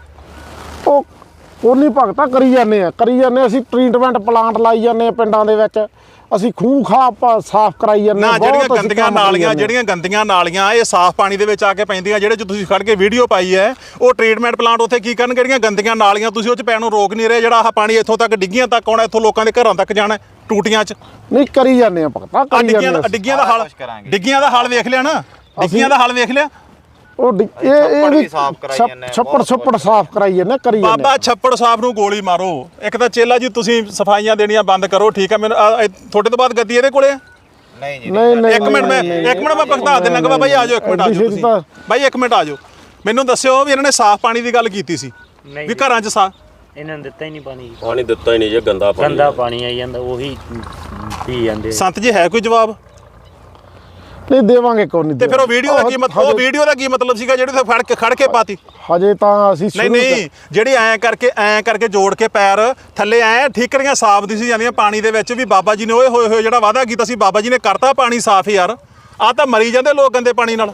[SPEAKER 1] ਉਹ ਨਹੀਂ ਭਗਤਾ ਕਰੀ ਜਾਂਦੇ ਅਸੀਂ ਟ੍ਰੀਟਮੈਂਟ ਪਲਾਂਟ ਲਾਈ ਜਾਂਦੇ ਆ ਪਿੰਡਾਂ ਦੇ ਵਿੱਚ ਅਸੀਂ ਖੂਹ ਖਾਹ ਸਾਫ਼ ਕਰਾਈ ਜਾਂਦੇ
[SPEAKER 2] ਨਾ ਜਿਹੜੀਆਂ ਗੰਦੀਆਂ ਨਾਲੀਆਂ ਇਹ ਸਾਫ਼ ਪਾਣੀ ਦੇ ਵਿੱਚ ਆ ਕੇ ਪੈਂਦੀਆਂ ਜਿਹੜੇ 'ਚ ਤੁਸੀਂ ਖੜ ਕੇ ਵੀਡੀਓ ਪਾਈ ਹੈ ਉਹ ਟ੍ਰੀਟਮੈਂਟ ਪਲਾਂਟ ਉੱਥੇ ਕੀ ਕਰਨ ਜਿਹੜੀਆਂ ਗੰਦੀਆਂ ਨਾਲੀਆਂ ਤੁਸੀਂ ਉਹ 'ਚ ਪੈਣ ਨੂੰ ਰੋਕ ਨਹੀਂ ਰਹੇ ਜਿਹੜਾ ਆਹ ਪਾਣੀ ਇੱਥੋਂ ਤੱਕ ਡਿੱਗੀਆਂ ਤੱਕ ਆਉਣਾ ਇੱਥੋਂ ਲੋਕਾਂ ਦੇ ਘਰਾਂ ਤੱਕ ਜਾਣਾ ਟੂਟੀਆਂ 'ਚ
[SPEAKER 1] ਨਹੀਂ ਕਰੀ ਜਾਂਦੇ ਆ ਭਗਤਾ
[SPEAKER 2] ਡਿੱਗੀਆਂ ਦਾ ਹਾਲ ਵੇਖ ਲਿਆ ਨਾ ਡਿੱਗੀਆਂ ਦਾ ਹਾਲ ਵੇਖ ਲਿਆ
[SPEAKER 1] ਉਹ ਇਹ ਵੀ ਛੱਪੜ ਸਾਫ਼ ਕਰਾਈ ਜਾਂਦੇ ਕਰੀ ਜਾਂਦੇ
[SPEAKER 2] ਬਾਬਾ ਛੱਪੜ ਸਾਫ਼ ਨੂੰ ਗੋਲੀ ਮਾਰੋ ਇੱਕ ਤਾਂ ਚੇਲਾ ਜੀ ਤੁਸੀਂ ਸਫਾਈਆਂ ਦੇਣੀਆਂ ਬੰਦ ਕਰੋ ਠੀਕ ਹੈ ਮੈਨੂੰ ਤੁਹਾਡੇ ਤੋਂ ਬਾਅਦ ਗੱਦੀ ਇਹਦੇ ਕੋਲੇ ਆ
[SPEAKER 3] ਨਹੀਂ ਜੀ
[SPEAKER 1] ਨਹੀਂ
[SPEAKER 2] ਇੱਕ ਮਿੰਟ ਮੈਂ ਭਗਤਾ ਦੇਣਾ ਕਿ ਬਾਬਾ ਜੀ ਆ ਜਾਓ ਇੱਕ ਮਿੰਟ ਆ ਜਾਓ ਤੁਸੀਂ ਬਾਈ ਇੱਕ ਮਿੰਟ ਆ ਜਾਓ ਮੈਨੂੰ ਦੱਸਿਓ ਵੀ ਇਹਨਾਂ ਨੇ ਸਾਫ਼ ਪਾਣੀ ਦੀ ਗੱਲ ਕੀਤੀ ਸੀ ਵੀ ਘਰਾਂ 'ਚ ਸਾਫ਼
[SPEAKER 4] ਇਹਨਾਂ ਨੇ ਦਿੱਤਾ ਹੀ ਨਹੀਂ
[SPEAKER 5] ਪਾਣੀ ਦਿੱਤਾ ਹੀ ਨਹੀਂ ਜੇ ਗੰਦਾ
[SPEAKER 4] ਪਾਣੀ ਆਈ ਜਾਂਦਾ ਉਹੀ ਪੀ ਜਾਂਦੇ
[SPEAKER 2] ਸੰਤ ਜੀ ਹੈ ਕੋਈ ਜਵਾਬ
[SPEAKER 1] ਨਹੀਂ ਦੇਵਾਂਗੇ ਕੋਈ ਨਹੀਂ
[SPEAKER 2] ਤੇ ਫਿਰ ਉਹ ਵੀਡੀਓ ਦਾ ਕੀ ਮਤਲਬ ਸੀਗਾ ਜਿਹੜੇ ਤੇ ਖੜ ਕੇ ਪਾਤੀ
[SPEAKER 1] ਹਜੇ ਤਾਂ ਅਸੀਂ
[SPEAKER 2] ਨਹੀਂ ਜਿਹੜੀ ਐਂ ਕਰਕੇ ਜੋੜ ਕੇ ਪੈਰ ਥੱਲੇ ਐ ਠੀਕਰੀਆਂ ਸਾਫ਼ ਦਿਸੀ ਜਾਂਦੀਆਂ ਪਾਣੀ ਦੇ ਵਿੱਚ ਵੀ ਬਾਬਾ ਜੀ ਨੇ ਹੋਏ ਜਿਹੜਾ ਵਾਅਦਾ ਕੀਤਾ ਸੀ ਬਾਬਾ ਜੀ ਨੇ ਕਰਤਾ ਪਾਣੀ ਸਾਫ਼ ਯਾਰ ਆ ਤਾਂ ਮਰੀ ਜਾਂਦੇ ਲੋਕ ਗੰਦੇ ਪਾਣੀ ਨਾਲ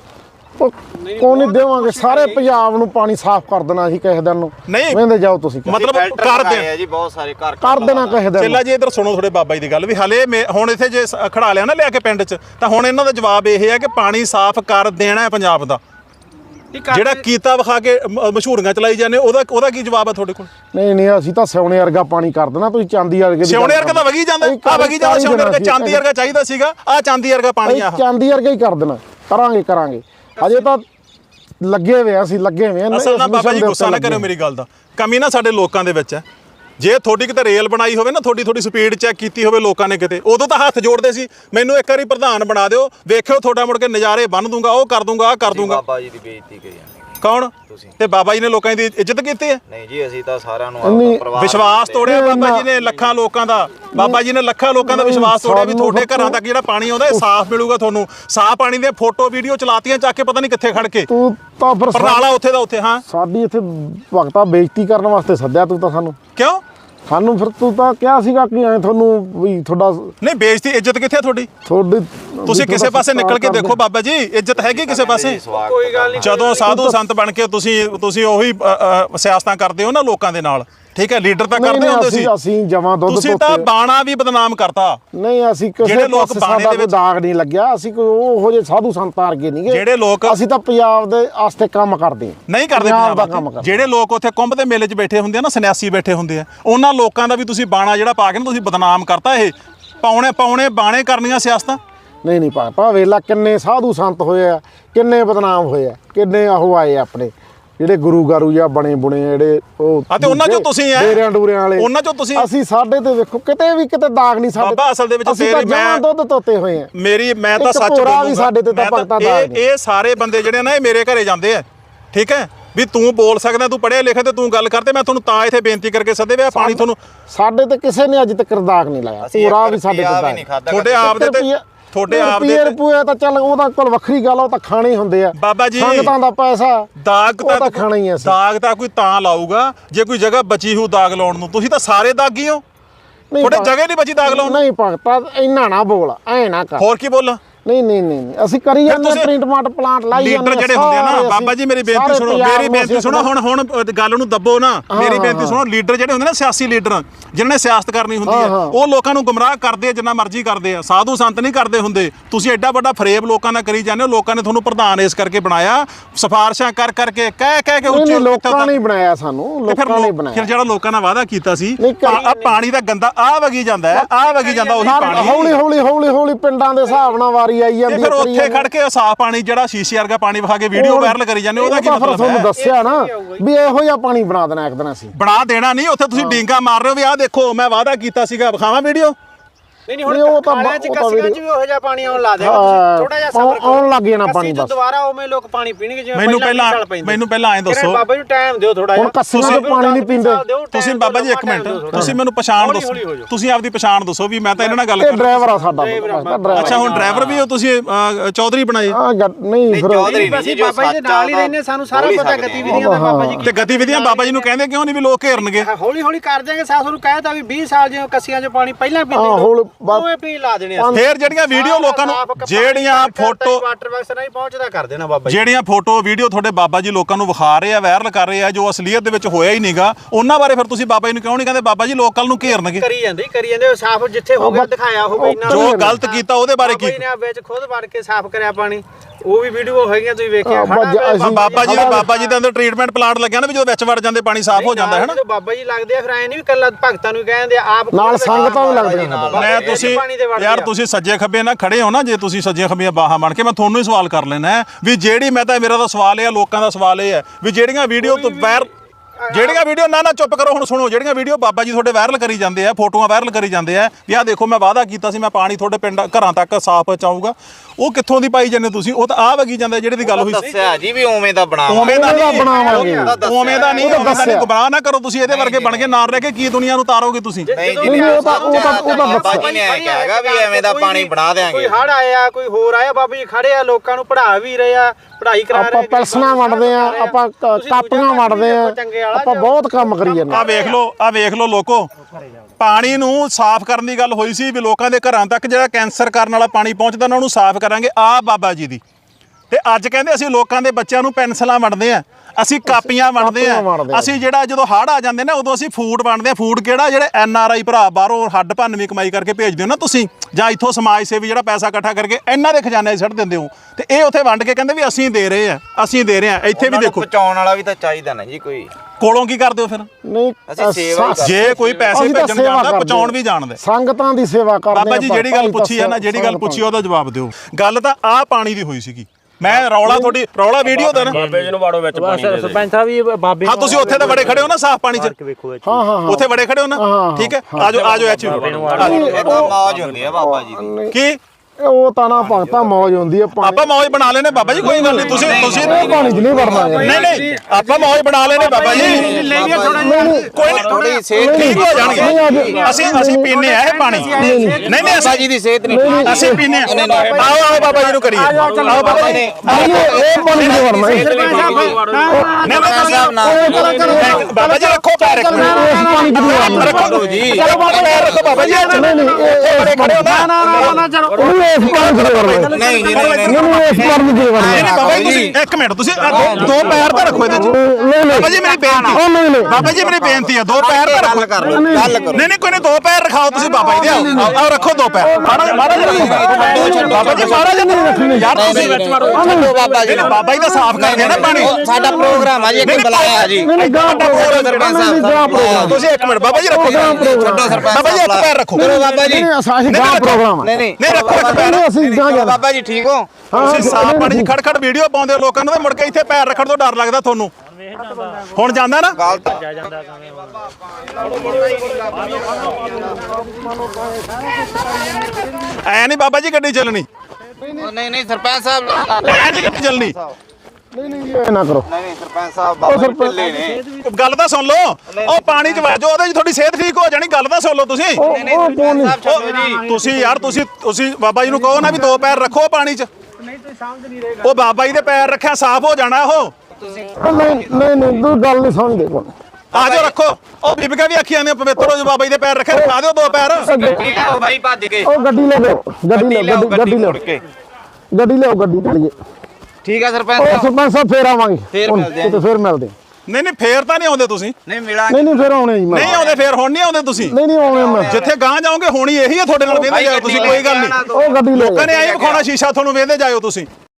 [SPEAKER 1] ਕੋਈ ਨਹੀਂ ਦੇਵਾਂਗੇ ਸਾਰੇ ਪੰਜਾਬ ਨੂੰ ਪਾਣੀ ਸਾਫ਼ ਕਰ ਦੇਣਾ ਅਸੀਂ ਕਿਸੇ ਦਿਨ ਨੂੰ
[SPEAKER 2] ਨਹੀਂ
[SPEAKER 1] ਵੇਂਦੇ ਜਾਓ ਤੁਸੀਂ
[SPEAKER 2] ਮਤਲਬ ਕਰਦੇ
[SPEAKER 3] ਆ ਜੀ ਬਹੁਤ ਸਾਰੇ ਘਰ
[SPEAKER 1] ਕਰ ਦੇਣਾ ਕਿਸੇ ਦਿਨ
[SPEAKER 2] ਚੇਲਾ ਜੀ ਇੱਧਰ ਸੁਣੋ ਤੁਹਾਡੇ ਬਾਬਾ ਜੀ ਦੀ ਗੱਲ ਵੀ ਹਲੇ ਹੁਣ ਇੱਥੇ ਜੇ ਖੜਾ ਲਿਆ ਨਾ ਲਿਆ ਕੇ ਪਿੰਡ 'ਚ ਤਾਂ ਹੁਣ ਇਹਨਾਂ ਦਾ ਜਵਾਬ ਇਹ ਹੈ ਕਿ ਪਾਣੀ ਸਾਫ਼ ਕਰ ਦੇਣਾ ਹੈ ਪੰਜਾਬ ਦਾ ਜਿਹੜਾ ਕੀਤਾ ਵਿਖਾ ਕੇ ਮਸ਼ਹੂਰੀਆਂ ਚਲਾਈ ਜਾਂਦੇ ਉਹਦਾ ਕੀ ਜਵਾਬ ਹੈ ਤੁਹਾਡੇ ਕੋਲ
[SPEAKER 1] ਨਹੀਂ ਅਸੀਂ ਤਾਂ ਸਿਉਣੇ ਵਰਗਾ ਪਾਣੀ ਕਰ ਦੇਣਾ ਤੁਸੀਂ ਚਾਂਦੀ ਵਰਗੇ
[SPEAKER 2] ਸਿਉਣੇ ਵਰਗਾ ਤਾਂ ਵਗੀ ਜਾਂਦਾ ਸਿਉਣੇ ਵਰਗਾ ਚਾਂਦੀ ਵਰਗਾ ਚਾਹੀਦਾ ਸੀਗਾ ਆ ਚਾਂਦੀ ਵਰਗਾ ਪਾਣੀ ਆ
[SPEAKER 1] ਚਾਂਦੀ ਵਰਗਾ ਹੀ ਕਰ ਦੇਣਾ ਕਰਾਂਗੇ ਹਜੇ ਤਾਂ ਲੱਗੇ ਹੋਏ ਅਸੀਂ
[SPEAKER 2] ਅਸਲ ਨਾਲ ਬਾਬਾ ਜੀ ਗੁੱਸਾ ਨਾ ਕਰਿਓ ਮੇਰੀ ਗੱਲ ਦਾ ਕਮੀ ਨਾ ਸਾਡੇ ਲੋਕਾਂ ਦੇ ਵਿੱਚ ਹੈ ਜੇ ਤੁਹਾਡੀ ਕਿਤੇ ਰੇਲ ਬਣਾਈ ਹੋਵੇ ਨਾ ਥੋੜੀ ਸਪੀਡ ਚੈੱਕ ਕੀਤੀ ਹੋਵੇ ਲੋਕਾਂ ਨੇ ਕਿਤੇ ਉਦੋਂ ਤਾਂ ਹੱਥ ਜੋੜਦੇ ਸੀ ਮੈਨੂੰ ਇੱਕ ਵਾਰੀ ਪ੍ਰਧਾਨ ਬਣਾ ਦਿਓ ਵੇਖਿਓ ਤੁਹਾਡਾ ਮੁੜ ਕੇ ਨਜ਼ਾਰੇ ਬੰਨ ਦੂੰਗਾ ਉਹ ਕਰ ਦੂੰਗਾ ਆ ਕਰ ਦੂੰਗਾ
[SPEAKER 3] ਬਾਬਾ ਜੀ ਦੀ ਬੇਇੱਜ਼ਤੀ ਕਰੀ ਜਾਂਦੇ
[SPEAKER 2] ਕੌਣ ਤੇ ਬਾਬਾ ਜੀ ਨੇ ਲੋਕਾਂ ਦੀ ਇੱਜ਼ਤ ਕੀਤੀ ਹੈ
[SPEAKER 3] ਨਹੀਂ ਜੀ ਅਸੀਂ ਤਾਂ ਸਾਰਿਆਂ ਨੂੰ
[SPEAKER 2] ਵਿਸ਼ਵਾਸ ਤੋੜਿਆ ਬਾਬਾ ਜੀ ਨੇ ਲੱਖਾਂ ਲੋਕਾਂ ਦਾ ਬਾਬਾ ਜੀ ਨੇ ਲੱਖਾਂ ਲੋਕਾਂ ਦਾ ਵਿਸ਼ਵਾਸ ਤੋੜਿਆ ਵੀ ਤੁਹਾਡੇ ਘਰਾਂ ਤੱਕ ਜਿਹੜਾ ਪਾਣੀ ਆਉਂਦਾ ਇਹ ਸਾਫ਼ ਮਿਲੂਗਾ ਤੁਹਾਨੂੰ ਸਾਫ਼ ਪਾਣੀ ਦੀਆਂ ਫੋਟੋ ਵੀਡੀਓ ਚਲਾਤੀਆਂ ਚੱਕ ਕੇ ਪਤਾ ਨਹੀਂ ਕਿੱਥੇ ਖੜ ਕੇ
[SPEAKER 1] ਤੂੰ ਤਾਂ ਫਿਰ
[SPEAKER 2] ਨਾਲਾ ਉੱਥੇ ਦਾ ਉੱਥੇ ਹਾਂ
[SPEAKER 1] ਸਾਡੀ ਇੱਥੇ ਭਗਤਾ ਬੇਇੱਜ਼ਤੀ ਕਰਨ ਵਾਸਤੇ ਸੱਦਿਆ ਤੂੰ ਤਾਂ ਸਾਨੂੰ
[SPEAKER 2] ਕਿਉਂ
[SPEAKER 1] ਸਾਨੂੰ ਫਿਰ ਤੂੰ ਤਾਂ ਕਿਹਾ ਸੀਗਾ ਕਿ ਐ ਤੁਹਾਨੂੰ ਵੀ ਤੁਹਾਡਾ
[SPEAKER 2] ਨਹੀਂ ਬੇਇੱਜ਼ਤੀ ਇੱਜ਼ਤ ਕਿੱਥੇ ਆ ਤੁਹਾਡੀ? ਤੁਸੀਂ ਕਿਸੇ ਪਾਸੇ ਨਿਕਲ ਕੇ ਦੇਖੋ ਬਾਬਾ ਜੀ, ਇੱਜ਼ਤ ਹੈਗੀ ਕਿਸੇ ਪਾਸੇ?
[SPEAKER 3] ਕੋਈ ਗੱਲ ਨਹੀਂ।
[SPEAKER 2] ਜਦੋਂ ਸਾਧੂ ਸੰਤ ਬਣ ਕੇ ਤੁਸੀਂ ਉਹੀ ਸਿਆਸਤਾਂ ਕਰਦੇ ਹੋ ਨਾ ਲੋਕਾਂ ਦੇ ਨਾਲ, ਠੀਕ ਹੈ, ਲੀਡਰ ਤਾਂ ਕਰਦੇ ਹੁੰਦੇ ਸੀ।
[SPEAKER 1] ਅਸੀਂ ਜਮਾਂ ਦੁੱਧ
[SPEAKER 2] ਤੁਸੀਂ ਤਾਂ ਬਾਣਾ ਵੀ ਬਦਨਾਮ ਕਰਤਾ।
[SPEAKER 1] ਨਹੀਂ ਅਸੀਂ ਕਿਸੇ
[SPEAKER 2] ਜਿਹੜੇ ਲੋਕ ਬਾਣੇ ਦੇ ਵਿੱਚ
[SPEAKER 1] ਦਾਗ ਨਹੀਂ ਲੱਗਿਆ, ਅਸੀਂ ਕੋਈ ਉਹੋ ਜਿਹੇ ਸਾਧੂ ਸੰਤਾਂ ਵਰਗੇ ਨਹੀਂਗੇ।
[SPEAKER 2] ਜਿਹੜੇ ਲੋਕ
[SPEAKER 1] ਅਸੀਂ ਤਾਂ ਪੰਜਾਬ ਦੇ ਵਾਸਤੇ ਕੰਮ ਕਰਦੇ ਹਾਂ,
[SPEAKER 2] ਨਹੀਂ ਕਰਦੇ
[SPEAKER 1] ਪੰਜਾਬ ਦਾ ਕੰਮ ਕਰਦੇ।
[SPEAKER 2] ਜਿਹੜੇ ਲੋਕ ਉੱਥੇ ਕੁੰਭ ਦੇ ਮੇਲੇ 'ਚ ਬੈਠੇ ਹੁੰਦੇ ਆ ਨਾ, ਸੰਨਿਆਸੀ ਬੈਠੇ ਹੁੰਦੇ ਆ, ਉਹਨਾਂ ਲੋਕਾਂ ਦਾ ਵੀ ਤੁਸੀਂ ਬਾਣਾ ਜਿਹੜਾ ਪਾ ਕੇ ਨਾ ਤੁਸੀਂ ਬਦਨਾਮ ਕਰਤਾ। ਇਹ ਪਾਉਣੇ ਬਾਣੇ ਕਰਨੀਆਂ ਸਿਆਸਤਾਂ
[SPEAKER 1] ਨਹੀਂ ਭਗਤਾ ਵੇਲਾ ਕਿੰਨੇ ਸਾਧੂ ਸੰਤ ਹੋਏ ਆ, ਕਿੰਨੇ ਬਦਨਾਮ ਹੋਏ ਆ, ਕਿੰਨੇ ਉਹ ਆਏ ਆਪਣੇ ਜਿਹੜੇ ਗੁਰੂ ਗਾਰੂ ਜਾਂ ਬਣੇ ਬੁਣੇ ਜਿਹੜੇ ਉਹ
[SPEAKER 2] ਤੇ ਉਹਨਾਂ ਚੋਂ ਤੁਸੀਂ ਐ
[SPEAKER 1] ਡੇਰਿਆਂ ਡੂਰਿਆਂ ਵਾਲੇ,
[SPEAKER 2] ਉਹਨਾਂ ਚੋਂ ਤੁਸੀਂ।
[SPEAKER 1] ਅਸੀਂ ਸਾਡੇ ਤੇ ਵੇਖੋ ਕਿਤੇ ਦਾਗ ਨਹੀਂ ਸਾਡੇ
[SPEAKER 2] ਬਾਬਾ ਅਸਲ ਦੇ ਵਿੱਚ
[SPEAKER 1] ਤੇਰੀ ਮੈਂ ਦੁੱਧ ਤੋਤੇ ਹੋਏ ਆ।
[SPEAKER 2] ਮੈਂ ਤਾਂ ਸੱਚ
[SPEAKER 1] ਬੋਲੂੰਗਾ ਵੀ ਸਾਡੇ ਤੇ ਤਾਂ ਭਗਤਾ ਦਾਗ ਨਹੀਂ।
[SPEAKER 2] ਇਹ ਸਾਰੇ ਬੰਦੇ ਜਿਹੜੇ ਨਾ ਇਹ ਮੇਰੇ ਘਰੇ ਜਾਂਦੇ ਆ, ਠੀਕ ਹੈ, ਵੀ ਤੂੰ ਬੋਲ ਸਕਦਾ, ਤੂੰ ਪੜ੍ਹਿਆ ਲਿਖਿਆ ਤੇ ਤੂੰ ਗੱਲ ਕਰਦੇ। ਮੈਂ ਤੁਹਾਨੂੰ ਤਾਂ ਇੱਥੇ ਬੇਨਤੀ ਕਰਕੇ ਸੱਦੇ ਵੇ ਪਾਣੀ ਤੁਹਾਨੂੰ।
[SPEAKER 1] ਸਾਡੇ ਤੇ ਕਿਸੇ ਨੇ ਅੱਜ ਤੱਕ ਦਾਗ ਨਹੀਂ ਲਾਇਆ, ਪੂਰਾ ਵੀ ਸਾਡੇ ਤੇ ਦਾਗ।
[SPEAKER 2] ਤੁਹਾਡੇ ਆਪ ਦੇ ਤੇ ਤੁਹਾਡੇ ਆਪ ਦੇ
[SPEAKER 1] ਰੁਪਏ ਤਾਂ ਚੱਲ ਉਹਦਾ ਕੋਲ ਵੱਖਰੀ ਗੱਲ, ਉਹ ਤਾਂ ਖਾਣੇ ਹੀ ਹੁੰਦੇ ਆ
[SPEAKER 2] ਬਾਬਾ ਜੀ।
[SPEAKER 1] ਸੰਗਤਾਂ ਦਾ ਪੈਸਾ
[SPEAKER 2] ਦਾਗ
[SPEAKER 1] ਤਾਂ ਖਾਣਾ ਹੀ ਆ।
[SPEAKER 2] ਦਾਗ ਤਾਂ ਕੋਈ ਤਾਂ ਲਾਊਗਾ ਜੇ ਕੋਈ ਜਗ੍ਹਾ ਬਚੀ ਹੋ ਦਾਗ ਲਾਉਣ ਨੂੰ। ਤੁਸੀਂ ਤਾਂ ਸਾਰੇ ਦਾਗੀ ਹੋ, ਤੁਹਾਡੇ ਜਗ੍ਹਾ ਨਹੀਂ ਬਚੀ ਦਾਗ ਲਾਉਣ ਨੂੰ।
[SPEAKER 1] ਨਹੀਂ ਭਗਤਾ ਇੰਨਾ ਨਾ ਬੋਲ, ਐ ਨਾ ਕਰ।
[SPEAKER 2] ਹੋਰ ਕੀ ਬੋਲਾਂ?
[SPEAKER 1] ਨਹੀਂ ਅਸੀਂ ਕਰੀ ਜਾਂਦੇ ਟ੍ਰੀਟਮੈਂਟ ਪਲਾਂਟ ਲਾਈ ਜਾਂਦੇ।
[SPEAKER 2] ਲੀਡਰ ਜਿਹੜੇ ਹੁੰਦੇ ਆ ਨਾ ਬਾਬਾ ਜੀ, ਮੇਰੀ ਬੇਨਤੀ ਸੁਣੋ, ਮੇਰੀ ਬੇਨਤੀ ਸੁਣੋ। ਹੁਣ ਗੱਲ ਨੂੰ ਦੱਬੋ ਨਾ, ਮੇਰੀ ਬੇਨਤੀ ਸੁਣੋ। ਲੀਡਰ ਜਿਹੜੇ ਹੁੰਦੇ ਨਾ, ਸਿਆਸੀ ਲੀਡਰ ਜਿਨ੍ਹਾਂ ਨੇ ਸਿਆਸਤ ਕਰਨੀ ਹੁੰਦੀ ਹੈ, ਉਹ ਲੋਕਾਂ ਨੂੰ ਗੁੰਮਰਾਹ ਕਰਦੇ ਆ ਜਿੰਨਾ ਮਰਜ਼ੀ ਕਰਦੇ ਆ। ਸਾਧੂ ਸੰਤ ਨਹੀਂ ਕਰਦੇ ਹੁੰਦੇ। ਤੁਸੀਂ ਐਡਾ ਵੱਡਾ ਫਰੇਬ ਲੋਕਾਂ ਨਾਲ ਕਰੀ ਜਾਂਦੇ ਹੋ। ਲੋਕਾਂ ਨੇ ਤੁਹਾਨੂੰ ਪ੍ਰਧਾਨ ਇਸ ਕਰਕੇ ਬਣਾਇਆ, ਸਿਫਾਰਿਸ਼ਾਂ ਕਰਕੇ ਕਹਿ ਕੇ ਉੱਚੇ
[SPEAKER 1] ਲੋਕਾਂ ਨੇ ਬਣਾਇਆ ਸਾਨੂੰ, ਲੋਕਾਂ ਨੇ ਬਣਾਇਆ।
[SPEAKER 2] ਫਿਰ ਜਿਹੜਾ ਲੋਕਾਂ ਨਾਲ ਵਾਅਦਾ ਕੀਤਾ ਸੀ, ਆ ਪਾਣੀ ਦਾ ਗੰਦਾ ਆ ਵਗੀ ਜਾਂਦਾ ਹੈ, ਆ ਵਗੀ ਜਾਂਦਾ ਉਹੀ ਪਾਣੀ।
[SPEAKER 1] ਹੌਲੀ ਪਿੰਡਾਂ ਦੇ ਹਿਸਾਬ ਨਾਲ ਵਾਰੀ ਆਈ ਜਾਂਦੀ ਹੈ।
[SPEAKER 2] ਉੱਥੇ ਖੜ ਕੇ ਸਾਫ਼ ਪਾਣੀ ਜਿਹੜਾ ਸ਼ੀਸ਼ੇ ਵਰਗਾ ਪਾਣੀ ਵਿਖਾ ਕੇ ਵੀਡੀਓ ਵਾਇਰਲ ਕਰੀ ਜਾਂਦੇ, ਉਹਦਾ ਕੀ ਮਤਲਬ ਹੈ?
[SPEAKER 1] ਤੁਹਾਨੂੰ ਦੱਸਿਆ ਨਾ ਵੀ ਇਹੋ ਜਿਹਾ ਪਾਣੀ ਬਣਾ ਦੇਣਾ ਇੱਕ ਦਿਨ ਅਸੀਂ।
[SPEAKER 2] ਬਣਾ ਦੇਣਾ ਨਹੀਂ, ਉੱਥੇ ਤੁਸੀਂ ਡੀਂਗਾ ਮਾਰ ਰਹੇ ਹੋ ਵੀ ਆਹ ਦੇਖੋ ਮੈਂ ਵਾਅਦਾ ਕੀਤਾ ਸੀਗਾ, ਵਿਖਾਵਾਂ ਵੀਡੀਓ।
[SPEAKER 3] ਨਹੀਂ ਹੁਣ ਖਾਲਿਆਂ ਚ ਕਸੀਆਂ ਚ ਵੀ ਉਹੋ ਜਿਹਾ ਪਾਣੀ ਆਉਣ ਲਾ ਦੇਗਾ। ਤੁਸੀਂ ਥੋੜਾ ਜਿਹਾ ਸਬਰ ਕਰੋ,
[SPEAKER 1] ਆਉਣ ਲੱਗ ਜਾਣਾ ਪਾਣੀ ਬਸ।
[SPEAKER 3] ਦੁਬਾਰਾ ਉਵੇਂ ਲੋਕ ਪਾਣੀ ਪੀਣਗੇ ਜਿਵੇਂ
[SPEAKER 2] ਮੈਨੂੰ ਪਹਿਲਾਂ ਐਂ ਦੱਸੋ
[SPEAKER 3] ਬਾਬਾ ਜੀ, ਟਾਈਮ ਦਿਓ ਥੋੜਾ ਜਿਹਾ।
[SPEAKER 1] ਹੁਣ ਕਸੀਆਂ ਚ ਪਾਣੀ ਨਹੀਂ ਪੀਂਦੇ
[SPEAKER 2] ਤੁਸੀਂ ਬਾਬਾ ਜੀ। ਇੱਕ ਮਿੰਟ, ਤੁਸੀਂ ਮੈਨੂੰ ਪਛਾਣ ਦੱਸੋ, ਤੁਸੀਂ ਆਪਦੀ ਪਛਾਣ ਦੱਸੋ ਵੀ ਮੈਂ ਤਾਂ ਇਹਨਾਂ ਨਾਲ ਗੱਲ ਕਰ।
[SPEAKER 1] ਡਰਾਈਵਰ ਆ ਸਾਡਾ।
[SPEAKER 2] ਅੱਛਾ, ਹੁਣ ਡਰਾਈਵਰ ਵੀ ਹੋ ਤੁਸੀਂ? ਚੌਧਰੀ ਬਣਾਏ?
[SPEAKER 1] ਨਹੀਂ
[SPEAKER 3] ਚੌਧਰੀ ਅਸੀਂ ਬਾਬਾ ਜੀ ਦੇ ਨਾਲ ਹੀ ਰਹਿੰਦੇ, ਸਾਨੂੰ ਸਾਰਾ ਪਤਾ ਗਤੀਵਿਧੀਆਂ ਦਾ ਬਾਬਾ ਜੀ।
[SPEAKER 2] ਤੇ ਗਤੀਵਿਧੀਆਂ ਬਾਬਾ ਜੀ ਨੂੰ ਕਹਿੰਦੇ ਕਿਉਂ ਨਹੀਂ ਵੀ ਲੋਕ ਘੇਰਨਗੇ?
[SPEAKER 3] ਹੌਲੀ ਕਰ ਦਿਆਂਗੇ। ਸਾਥ ਨੂੰ ਕਹਿਤਾ ਵੀ 20 ਸਾਲ ਜਿਵੇਂ ਕਸੀਆਂ ਚ ਪਾਣੀ ਪਹਿਲਾਂ ਪੀਂਦੇ ਉਵੇਂ ਪੀ ਲਾ ਦੇਣੇ।
[SPEAKER 2] ਫੇਰ ਜਿਹੜੀਆਂ ਵੀਡੀਓ ਲੋਕਾਂ ਨੂੰ, ਜਿਹੜੀਆਂ ਫੋਟੋ
[SPEAKER 3] ਵਾਟਰ ਬਾਕਸ ਨਹੀਂ ਪਹੁੰਚਦਾ ਕਰ ਦੇਣਾ ਬਾਬਾ ਜੀ।
[SPEAKER 2] ਜਿਹੜੀਆਂ ਫੋਟੋ ਵੀਡੀਓ ਤੁਹਾਡੇ ਬਾਬਾ ਜੀ ਲੋਕਾਂ ਨੂੰ ਵਿਖਾ ਰਹੇ ਆ, ਵਾਇਰਲ ਕਰ ਰਹੇ ਆ, ਜੋ ਅਸਲੀਅਤ ਦੇ ਵਿੱਚ ਹੋਇਆ ਹੀ ਨਹੀਂਗਾ, ਉਹਨਾਂ ਬਾਰੇ ਫਿਰ ਤੁਸੀਂ ਬਾਬਾ ਜੀ ਨੂੰ ਕਿਉਂ ਨਹੀਂ ਕਹਿੰਦੇ ਬਾਬਾ ਜੀ ਲੋਕਾਂ ਨੂੰ ਘੇਰਨਗੇ?
[SPEAKER 3] ਕਰੀ ਜਾਂਦੇ ਸਾਫ਼ ਜਿੱਥੇ ਹੋ ਗਿਆ ਦਿਖਾਇਆ ਹੋਵੇ।
[SPEAKER 2] ਜੋ ਗਲਤ ਕੀਤਾ ਉਹਦੇ ਬਾਰੇ ਕੀ?
[SPEAKER 3] ਨੇ ਵਿੱਚ ਖੁਦ ਵੜ ਕੇ ਸਾਫ਼ ਕਰਿਆ ਪਾਣੀ, ਉਹ ਵੀ ਵੀਡੀਓ ਹੈਗੀਆਂ, ਤੁਸੀਂ ਵੇਖਿਆ।
[SPEAKER 2] ਬਾਬਾ ਜੀ ਦੇ ਅੰਦਰ ਟ੍ਰੀਟਮੈਂਟ ਪਲਾਂਟ ਲੱਗਿਆ ਨਾ, ਵੀ ਜਦੋਂ ਵਿੱਚ ਵੜ ਜਾਂਦੇ ਪਾਣੀ ਸਾਫ਼ ਹੋ ਜਾਂਦਾ ਹੈ ਨਾ।
[SPEAKER 3] ਬਾਬਾ ਜੀ ਲੱਗਦੇ ਆ, ਫਿਰ ਐ ਨਹੀਂ ਵੀ ਕੱਲਾ ਭਗਤਾਂ ਨੂੰ ਕਹਿੰਦੇ ਆਪ
[SPEAKER 1] ਨਾਲ ਸੰਗਤਾਂ ਵੀ ਲੱਗਦੀਆਂ।
[SPEAKER 2] ਮੈਂ ਤੁਸੀਂ ਯਾਰ ਤੁਸੀਂ ਸੱਜੇ ਖੱਬੇ ਨਾਲ ਖੜੇ ਹੋ ਨਾ, ਜੇ ਤੁਸੀਂ ਸੱਜੇ ਖੱਬੀਆਂ ਬਾਹਾਂ ਬਣ ਕੇ, ਮੈਂ ਤੁਹਾਨੂੰ ਹੀ ਸਵਾਲ ਕਰ ਲੈਣਾ ਵੀ ਜਿਹੜੀ ਮੇਰਾ ਤਾਂ ਸਵਾਲ ਇਹ ਆ, ਲੋਕਾਂ ਦਾ ਸਵਾਲ ਇਹ ਹੈ ਵੀ ਜਿਹੜੀਆਂ ਵੀਡੀਓ ਤੋਂ ਜਿਹੜੀਆਂ ਵੀਡੀਓ ਨਾ ਚੁੱਪ ਕਰੋ, ਹੁਣ ਸੁਣੋ। ਜਿਹੜੀਆਂ ਵੀਡੀਓ ਬਾਬਾ ਜੀ ਤੁਹਾਡੇ ਵਾਇਰਲ ਕਰੀ ਜਾਂਦੇ ਆ, ਫੋਟੋਆਂ ਵਾਇਰਲ ਕਰੀ ਜਾਂਦੇ ਆ ਵੀ ਆਹ ਦੇਖੋ ਮੈਂ ਵਾਅਦਾ ਕੀਤਾ ਸੀ, ਮੈਂ ਪਾਣੀ ਤੁਹਾਡੇ ਪਿੰਡ ਘਰਾਂ ਤੱਕ ਸਾਫ਼ ਪਹੁੰਚਾਊਗਾ, ਉਹ ਕਿੱਥੋਂ ਦੀ ਪਾਈ ਜਾਂਦੇ ਤੁਸੀਂ? ਉਹ ਤਾਂ ਆ ਵਗੀ ਜਾਂਦਾ ਜਿਹੜੀ ਦੀ ਗੱਲ ਹੋਈ।
[SPEAKER 3] ਦੱਸਿਆ ਜੀ ਵੀ ਉਵੇਂ ਦਾ
[SPEAKER 1] ਬਣਾਵਾਂਗੇ।
[SPEAKER 2] ਉਵੇਂ ਦਾ ਨਹੀਂ ਗੁੰਮਰਾਹ ਨਾ ਕਰੋ ਤੁਸੀਂ। ਇਹਦੇ ਵਰਗੇ ਬਣ ਕੇ ਨਾਲ ਰਹਿ ਕੇ ਕੀ ਦੁਨੀਆ ਨੂੰ ਤਾਰੋਗੇ ਤੁਸੀਂ?
[SPEAKER 3] ਹੈਗਾ ਵੀ ਐਵੇਂ ਦਾ ਪਾਣੀ ਬਣਾ ਦੇਾਂਗੇ। ਕੋਈ ਹੜ ਆਇਆ, ਕੋਈ ਹੋਰ ਆਇਆ, ਬਾਬਾ ਜੀ ਖੜੇ ਆ, ਲੋਕਾਂ ਨੂੰ ਪੜ੍ਹਾ ਵੀ ਰਹੇ ਆ, ਪੜ੍ਹਾਈ ਕਰਾ ਰਹੇ।
[SPEAKER 1] ਆਪਾਂ ਪੈਲਸਨਾਂ ਵੰਡਦੇ ਆ, ਆਪਾਂ ਕਾਪੀਆਂ ਵੰਡਦੇ ਆ, ਆਪਾਂ ਬਹੁਤ ਕੰਮ ਕਰੀ ਜਾਂਦੇ।
[SPEAKER 2] ਆ ਵੇਖ ਲਓ ਲੋਕੋ, ਪਾਣੀ ਨੂੰ ਸਾਫ਼ ਕਰਨ ਦੀ ਗੱਲ ਹੋਈ ਸੀ ਵੀ ਲੋਕਾਂ ਦੇ ਘਰਾਂ ਤੱਕ ਜਿਹੜਾ ਕੈਂਸਰ ਕਰਨ ਵਾਲਾ ਪਾਣੀ ਪਹੁੰਚਦਾ ਨਾ, ਉਹਨੂੰ ਸਾਫ਼ ਕਰਾਂਗੇ। ਆ ਬਾਬਾ ਜੀ ਦੀ। ਤੇ ਅੱਜ ਕਹਿੰਦੇ ਅਸੀਂ ਲੋਕਾਂ ਦੇ ਬੱਚਿਆਂ ਨੂੰ ਪੈਨਸਲਾਂ ਵੰਡਦੇ ਆ, ਅਸੀਂ ਕਾਪੀਆਂ ਵੰਡਦੇ ਆ, ਅਸੀਂ ਜਿਹੜਾ ਜਦੋਂ ਹੜ੍ਹ ਆ ਜਾਂਦੇ ਨੇ ਉਦੋਂ ਅਸੀਂ ਫੂਡ ਵੰਡਦੇ ਆ। ਫੂਡ ਕਿਹੜਾ? ਜਿਹੜੇ NRI ਭਰਾ ਬਾਹਰੋਂ ਹੱਡ ਭੰਨਵੀਂ ਕਮਾਈ ਕਰਕੇ ਭੇਜਦੇ ਹੋ ਨਾ ਤੁਸੀਂ, ਜਾਂ ਇੱਥੋਂ ਸਮਾਜ ਸੇਵੀ ਜਿਹੜਾ ਪੈਸਾ ਇਕੱਠਾ ਕਰਕੇ ਇਹਨਾਂ ਦੇ ਖਜ਼ਾਨੇ 'ਚ ਸੁੱਟ ਦਿੰਦੇ ਹੋ, ਤੇ ਇਹ ਉੱਥੇ ਵੰਡ ਕੇ ਕਹਿੰਦੇ ਵੀ ਅਸੀਂ ਦੇ ਰਹੇ ਆ। ਇੱਥੇ ਵੀ ਦੇਖੋ,
[SPEAKER 3] ਪਹੁੰਚਾਉਣ ਵਾਲਾ ਵੀ ਤਾਂ ਚਾਹੀਦਾ ਨਾ ਜੀ। ਕੋਈ
[SPEAKER 2] ਕੋਲੋਂ ਕੀ ਕਰਦੇ ਹੋ ਫਿਰ?
[SPEAKER 1] ਨਹੀਂ
[SPEAKER 2] ਜੇ ਕੋਈ ਪੈਸੇ ਭੇਜਣ ਜਾਣਦਾ, ਪਹੁੰਚਾਉਣ ਵੀ ਜਾਣਦਾ।
[SPEAKER 1] ਸੰਗਤਾਂ ਦੀ ਸੇਵਾ ਕਰਦੇ ਆ।
[SPEAKER 2] ਬਾਬਾ ਜੀ ਜਿਹੜੀ ਗੱਲ ਪੁੱਛੀ ਹੈ ਨਾ, ਜਿਹੜੀ ਗੱਲ ਪੁੱਛੀ ਉਹਦਾ ਜਵਾਬ ਦਿਓ। ਗੱਲ ਤਾਂ ਆਹ ਪਾਣੀ ਦੀ ਹੋਈ ਸੀਗੀ। ਮੈਂ ਰੌਲਾ ਵੀਡੀਓ ਦਾ ਨਾ
[SPEAKER 5] ਬਾਬੇ ਜੀ ਨੂੰ ਵਾੜੋ ਵਿੱਚ ਪਾਣੀ ਦੇ ਦੇ।
[SPEAKER 4] ਸਰਪੰਚ ਸਾਹਿਬ ਵੀ ਬਾਬੇ
[SPEAKER 2] ਹਾਂ, ਤੁਸੀਂ ਉੱਥੇ ਤਾਂ ਬੜੇ ਖੜੇ ਹੋ ਨਾ ਸਾਫ਼ ਪਾਣੀ 'ਚ।
[SPEAKER 1] ਹਾਂ
[SPEAKER 2] ਉੱਥੇ ਬੜੇ ਖੜੇ ਹੋ ਨਾ, ਠੀਕ ਹੈ। ਆਜੋ ਐਚ
[SPEAKER 3] ਮੌਜ ਹੁੰਦੀ ਆ ਬਾਬਾ ਜੀ ਦੀ।
[SPEAKER 2] ਕੀ
[SPEAKER 1] ਉਹ ਤਾਂ ਨਾ ਭਗਤਾ ਮੌਜ ਹੁੰਦੀ ਆ।
[SPEAKER 2] ਆਪਾਂ ਮੌਜ ਬਣਾ ਲੈਨੇ ਬਾਬਾ ਜੀ, ਕੋਈ ਗੱਲ ਨਹੀਂ। ਤੁਸੀਂ
[SPEAKER 1] ਪਾਣੀ 'ਚ ਨਹੀਂ ਵੜਨਾ।
[SPEAKER 2] ਨਹੀਂ ਆਪਾਂ ਮੌਜ ਬਣਾ ਲੈਨੇ ਬਾਬਾ ਜੀ। ਕੋਈ ਨਹੀਂ
[SPEAKER 3] ਥੋੜੀ ਸਿਹਤ
[SPEAKER 2] ਠੀਕ ਹੋ ਜਾਣਗੇ ਅਸੀਂ ਪੀਨੇ ਆ ਇਹ ਪਾਣੀ ਨਹੀਂ
[SPEAKER 3] ਬਾਬਾ ਜੀ ਦੀ ਸਿਹਤ ਨਹੀਂ
[SPEAKER 2] ਅਸੀਂ ਪੀਨੇ ਆਓ ਬਾਬਾ ਜੀ ਨੂੰ ਕਰੀਏ ਆਓ ਬਾਬਾ ਜੀ
[SPEAKER 1] ਇਹ ਪਾਣੀ ਕਿਉਂ ਵਰਨਾ
[SPEAKER 2] ਬਾਬਾ ਜੀ ਰੱਖੋ ਪੈਰ ਰੱਖੋ
[SPEAKER 1] ਪਾਣੀ ਕਿਉਂ ਵਰਨਾ
[SPEAKER 2] ਰੱਖੋ ਜੀ ਚਲੋ ਬਾਬਾ ਪੈਰ ਰੱਖੋ ਬਾਬਾ ਜੀ ਬੜੇ ਖੜੇ ਹੋ ਨਾ
[SPEAKER 1] ਉਹ ਇਸ ਪਾਣੀ ਕਿਉਂ ਵਰਨਾ
[SPEAKER 3] ਨਹੀਂ
[SPEAKER 1] ਇਸ ਪਾਣੀ ਕਿਉਂ ਵਰਨਾ
[SPEAKER 2] ਨਹੀਂ ਬਾਬਾ ਜੀ ਇੱਕ ਮਿੰਟ ਤੁਸੀਂ ਦੋ ਪੈਰ ਤਾਂ ਰੱਖੋ ਇਹਦੇ ਚ ਬਾਬਾ ਜੀ ਮੇਰੀ ਬੇਨਤੀ
[SPEAKER 1] ਉਹ ਨਹੀਂ ਨਹੀਂ
[SPEAKER 2] ਬਾਬਾ ਜੀ ਮੇਰੀ ਬੇਨਤੀ ਹੈ ਦੋ ਪੈਰ ਤਾਂ ਰੱਖੋ
[SPEAKER 3] ਕਰ ਲਓ ਗੱਲ ਕਰੋ
[SPEAKER 2] ਨਹੀਂ ਕੋਈ ਨਹੀਂ ਦੋ ਪੈਰ ਰਖਾਓ ਤੁਸੀਂ ਬਾਬਾ ਜੀ ਦੇ ਆਓ ਰੱਖੋ ਦੋ ਪੈਰ ਮਹਾਰਾਜ ਰੱਖੋ ਬਾਬਾ ਜੀ ਮਹਾਰਾਜ ਨਹੀਂ ਰੱਖਣੇ ਯਾਰ ਤੁਸੀਂ
[SPEAKER 3] ਛੱਡੋ ਬਾਬਾ ਜੀ
[SPEAKER 2] ਬਾਬਾ ਜੀ ਦਾ ਸਾਫ਼ ਕਰਦੇ ਨਾ ਪਾਣੀ
[SPEAKER 3] ਸਾਡਾ ਪ੍ਰੋਗਰਾਮ ਆ ਜੀ ਇੱਕ ਬੁਲਾਇਆ ਜੀ
[SPEAKER 1] ਨਹੀਂ ਗਾਂ ਪ੍ਰੋਗਰਾਮ
[SPEAKER 2] ਤੁਸੀਂ ਇੱਕ ਮਿੰਟ ਬਾਬਾ ਜੀ ਰੱਖੋ
[SPEAKER 3] ਛੱਡੋ ਸਰਪੰਚ
[SPEAKER 2] ਬਾਬਾ ਜੀ ਇੱਕ ਪੈਰ ਰੱਖੋ
[SPEAKER 3] ਕਰੋ ਬਾਬਾ ਜੀ
[SPEAKER 1] ਨਹੀਂ ਅਸਾਂ ਗਾਂ ਪ੍ਰੋਗਰਾਮ
[SPEAKER 3] ਨਹੀਂ
[SPEAKER 2] ਨਹੀਂ ਰੱਖੋ ਇੱਕ ਪੈਰ
[SPEAKER 1] ਅਸੀਂ ਗਾਂ ਜਾਣਾ
[SPEAKER 3] ਬਾਬਾ ਜੀ ਠੀਕ ਹੋ
[SPEAKER 2] ਤੁਸੀਂ ਸਾਫ਼ ਪਾਣੀ 'ਚ ਖੜ ਵੀਡੀਓ ਪਾਉਂਦੇ ਹੋ ਲੋਕਾਂ ਨੂੰ ਤੇ ਮੁੜ ਕੇ ਇੱਥੇ ਪੈਰ ਰੱਖਣ ਤੋਂ ਡਰ ਲੱਗਦਾ ਤੁਹਾਨੂੰ ਹੁਣ ਜਾਂਦਾ ਨਾ
[SPEAKER 3] ਗਲਤ
[SPEAKER 4] ਜਾ ਜਾਂਦਾ ਕਿਵੇਂ
[SPEAKER 2] ਐ ਨਹੀਂ ਬਾਬਾ ਜੀ ਗੱਡੀ ਚੱਲਣੀ
[SPEAKER 3] ਨਹੀਂ ਸਰਪੰਚ ਸਾਹਿਬ
[SPEAKER 2] ਐ ਨਹੀਂ ਗੱਡੀ ਚੱਲਣੀ
[SPEAKER 1] ਨਹੀਂ ਇਹ ਨਾ ਕਰੋ
[SPEAKER 3] ਨਹੀਂ ਸਰਪੰਚ ਸਾਹਿਬ ਬਾਬਾ ਜੀ ਢਿੱਲੇ ਨੇ
[SPEAKER 2] ਗੱਲ ਤਾਂ ਸੁਣ ਲਓ ਉਹ ਪਾਣੀ 'ਚ ਵਾਜੋ ਉਹਦੇ 'ਚ ਤੁਹਾਡੀ ਸਿਹਤ ਠੀਕ ਹੋ ਜਾਣੀ ਗੱਲ ਤਾਂ ਸੁਣ ਲਓ ਤੁਸੀਂ
[SPEAKER 1] ਉਹ ਕੌਣ
[SPEAKER 3] ਸਾਹਿਬ ਛੱਡੋ ਜੀ
[SPEAKER 2] ਤੁਸੀਂ ਯਾਰ ਤੁਸੀਂ ਬਾਬਾ ਜੀ ਨੂੰ ਕਹੋ ਨਾ ਵੀ ਦੋ ਪੈਰ ਰੱਖੋ ਪਾਣੀ 'ਚ ਨਹੀਂ ਤੁਸੀਂ ਸਮਝ ਨਹੀਂ ਰਹੇ ਉਹ ਬਾਬਾ ਜੀ ਦੇ ਪੈਰ ਰੱਖਿਆ ਸਾਫ਼ ਹੋ ਜਾਣਾ ਉਹ
[SPEAKER 1] ਨਹੀਂ ਤੂੰ ਗੱਲ ਨਹੀਂ ਸਮਝਦੇ ਕੋਣ
[SPEAKER 2] ਆ ਜਾਓ ਰੱਖੋ ਉਹ ਬੀਬੀਆਂ ਵੀ ਆਖੀਆਂ ਨੇ ਪਵਿੱਤਰ ਹੋ ਜੋ ਬਾਬਾ ਜੀ ਦੇ ਪੈਰ ਰੱਖੇ ਰਖਾ ਦਿਓ ਦੋ ਪੈਰ
[SPEAKER 3] ਉਹ ਭਾਈ ਭੱਜ ਕੇ
[SPEAKER 1] ਉਹ ਗੱਡੀ ਲੈ ਲਓ ਗੱਡੀ ਲਿਆਓ ਗੱਡੀ ਚਲੀਏ
[SPEAKER 3] ਠੀਕ ਆ ਸਰਪੰਚ
[SPEAKER 1] ਉਹ
[SPEAKER 3] ਸਾਹਿਬ
[SPEAKER 1] ਸਰਪੰਚ ਸਾਹਿਬ ਫੇਰ ਆਵਾਂਗੇ
[SPEAKER 3] ਫੇਰ ਮਿਲਦੇ ਆ।
[SPEAKER 1] ਤੇ ਫੇਰ ਮਿਲਦੇ
[SPEAKER 2] ਨਹੀਂ ਫੇਰ ਤਾਂ ਨਹੀਂ ਆਉਂਦੇ ਤੁਸੀਂ
[SPEAKER 3] ਨਹੀਂ ਮਿਲਾਂਗੇ
[SPEAKER 1] ਨਹੀਂ ਫੇਰ ਆਉਣੇ ਜੀ ਮੈਂ
[SPEAKER 2] ਨਹੀਂ ਆਉਂਦੇ ਫੇਰ ਹੁਣ ਨਹੀਂ ਆਉਂਦੇ ਤੁਸੀਂ
[SPEAKER 1] ਨਹੀਂ ਆਉਣੇ ਮੈਂ
[SPEAKER 2] ਜਿੱਥੇ ਗਾਂ ਜਾਓਗੇ ਹੋਣੀ ਇਹੀ ਹੈ ਤੁਹਾਡੇ ਨਾਲ ਵੇਂਦੇ ਜਾਓ ਤੁਸੀਂ ਕੋਈ ਗੱਲ ਨਹੀਂ
[SPEAKER 1] ਉਹ ਗੱਡੀ ਲੈ
[SPEAKER 2] ਲੋਕਾਂ ਨੇ ਐਂ ਵਿਖਾਉਣਾ ਸ਼ੀਸ਼ਾ ਤੁਹਾਨੂੰ ਵੇਂਦੇ ਜਾਇਓ ਤੁਸੀਂ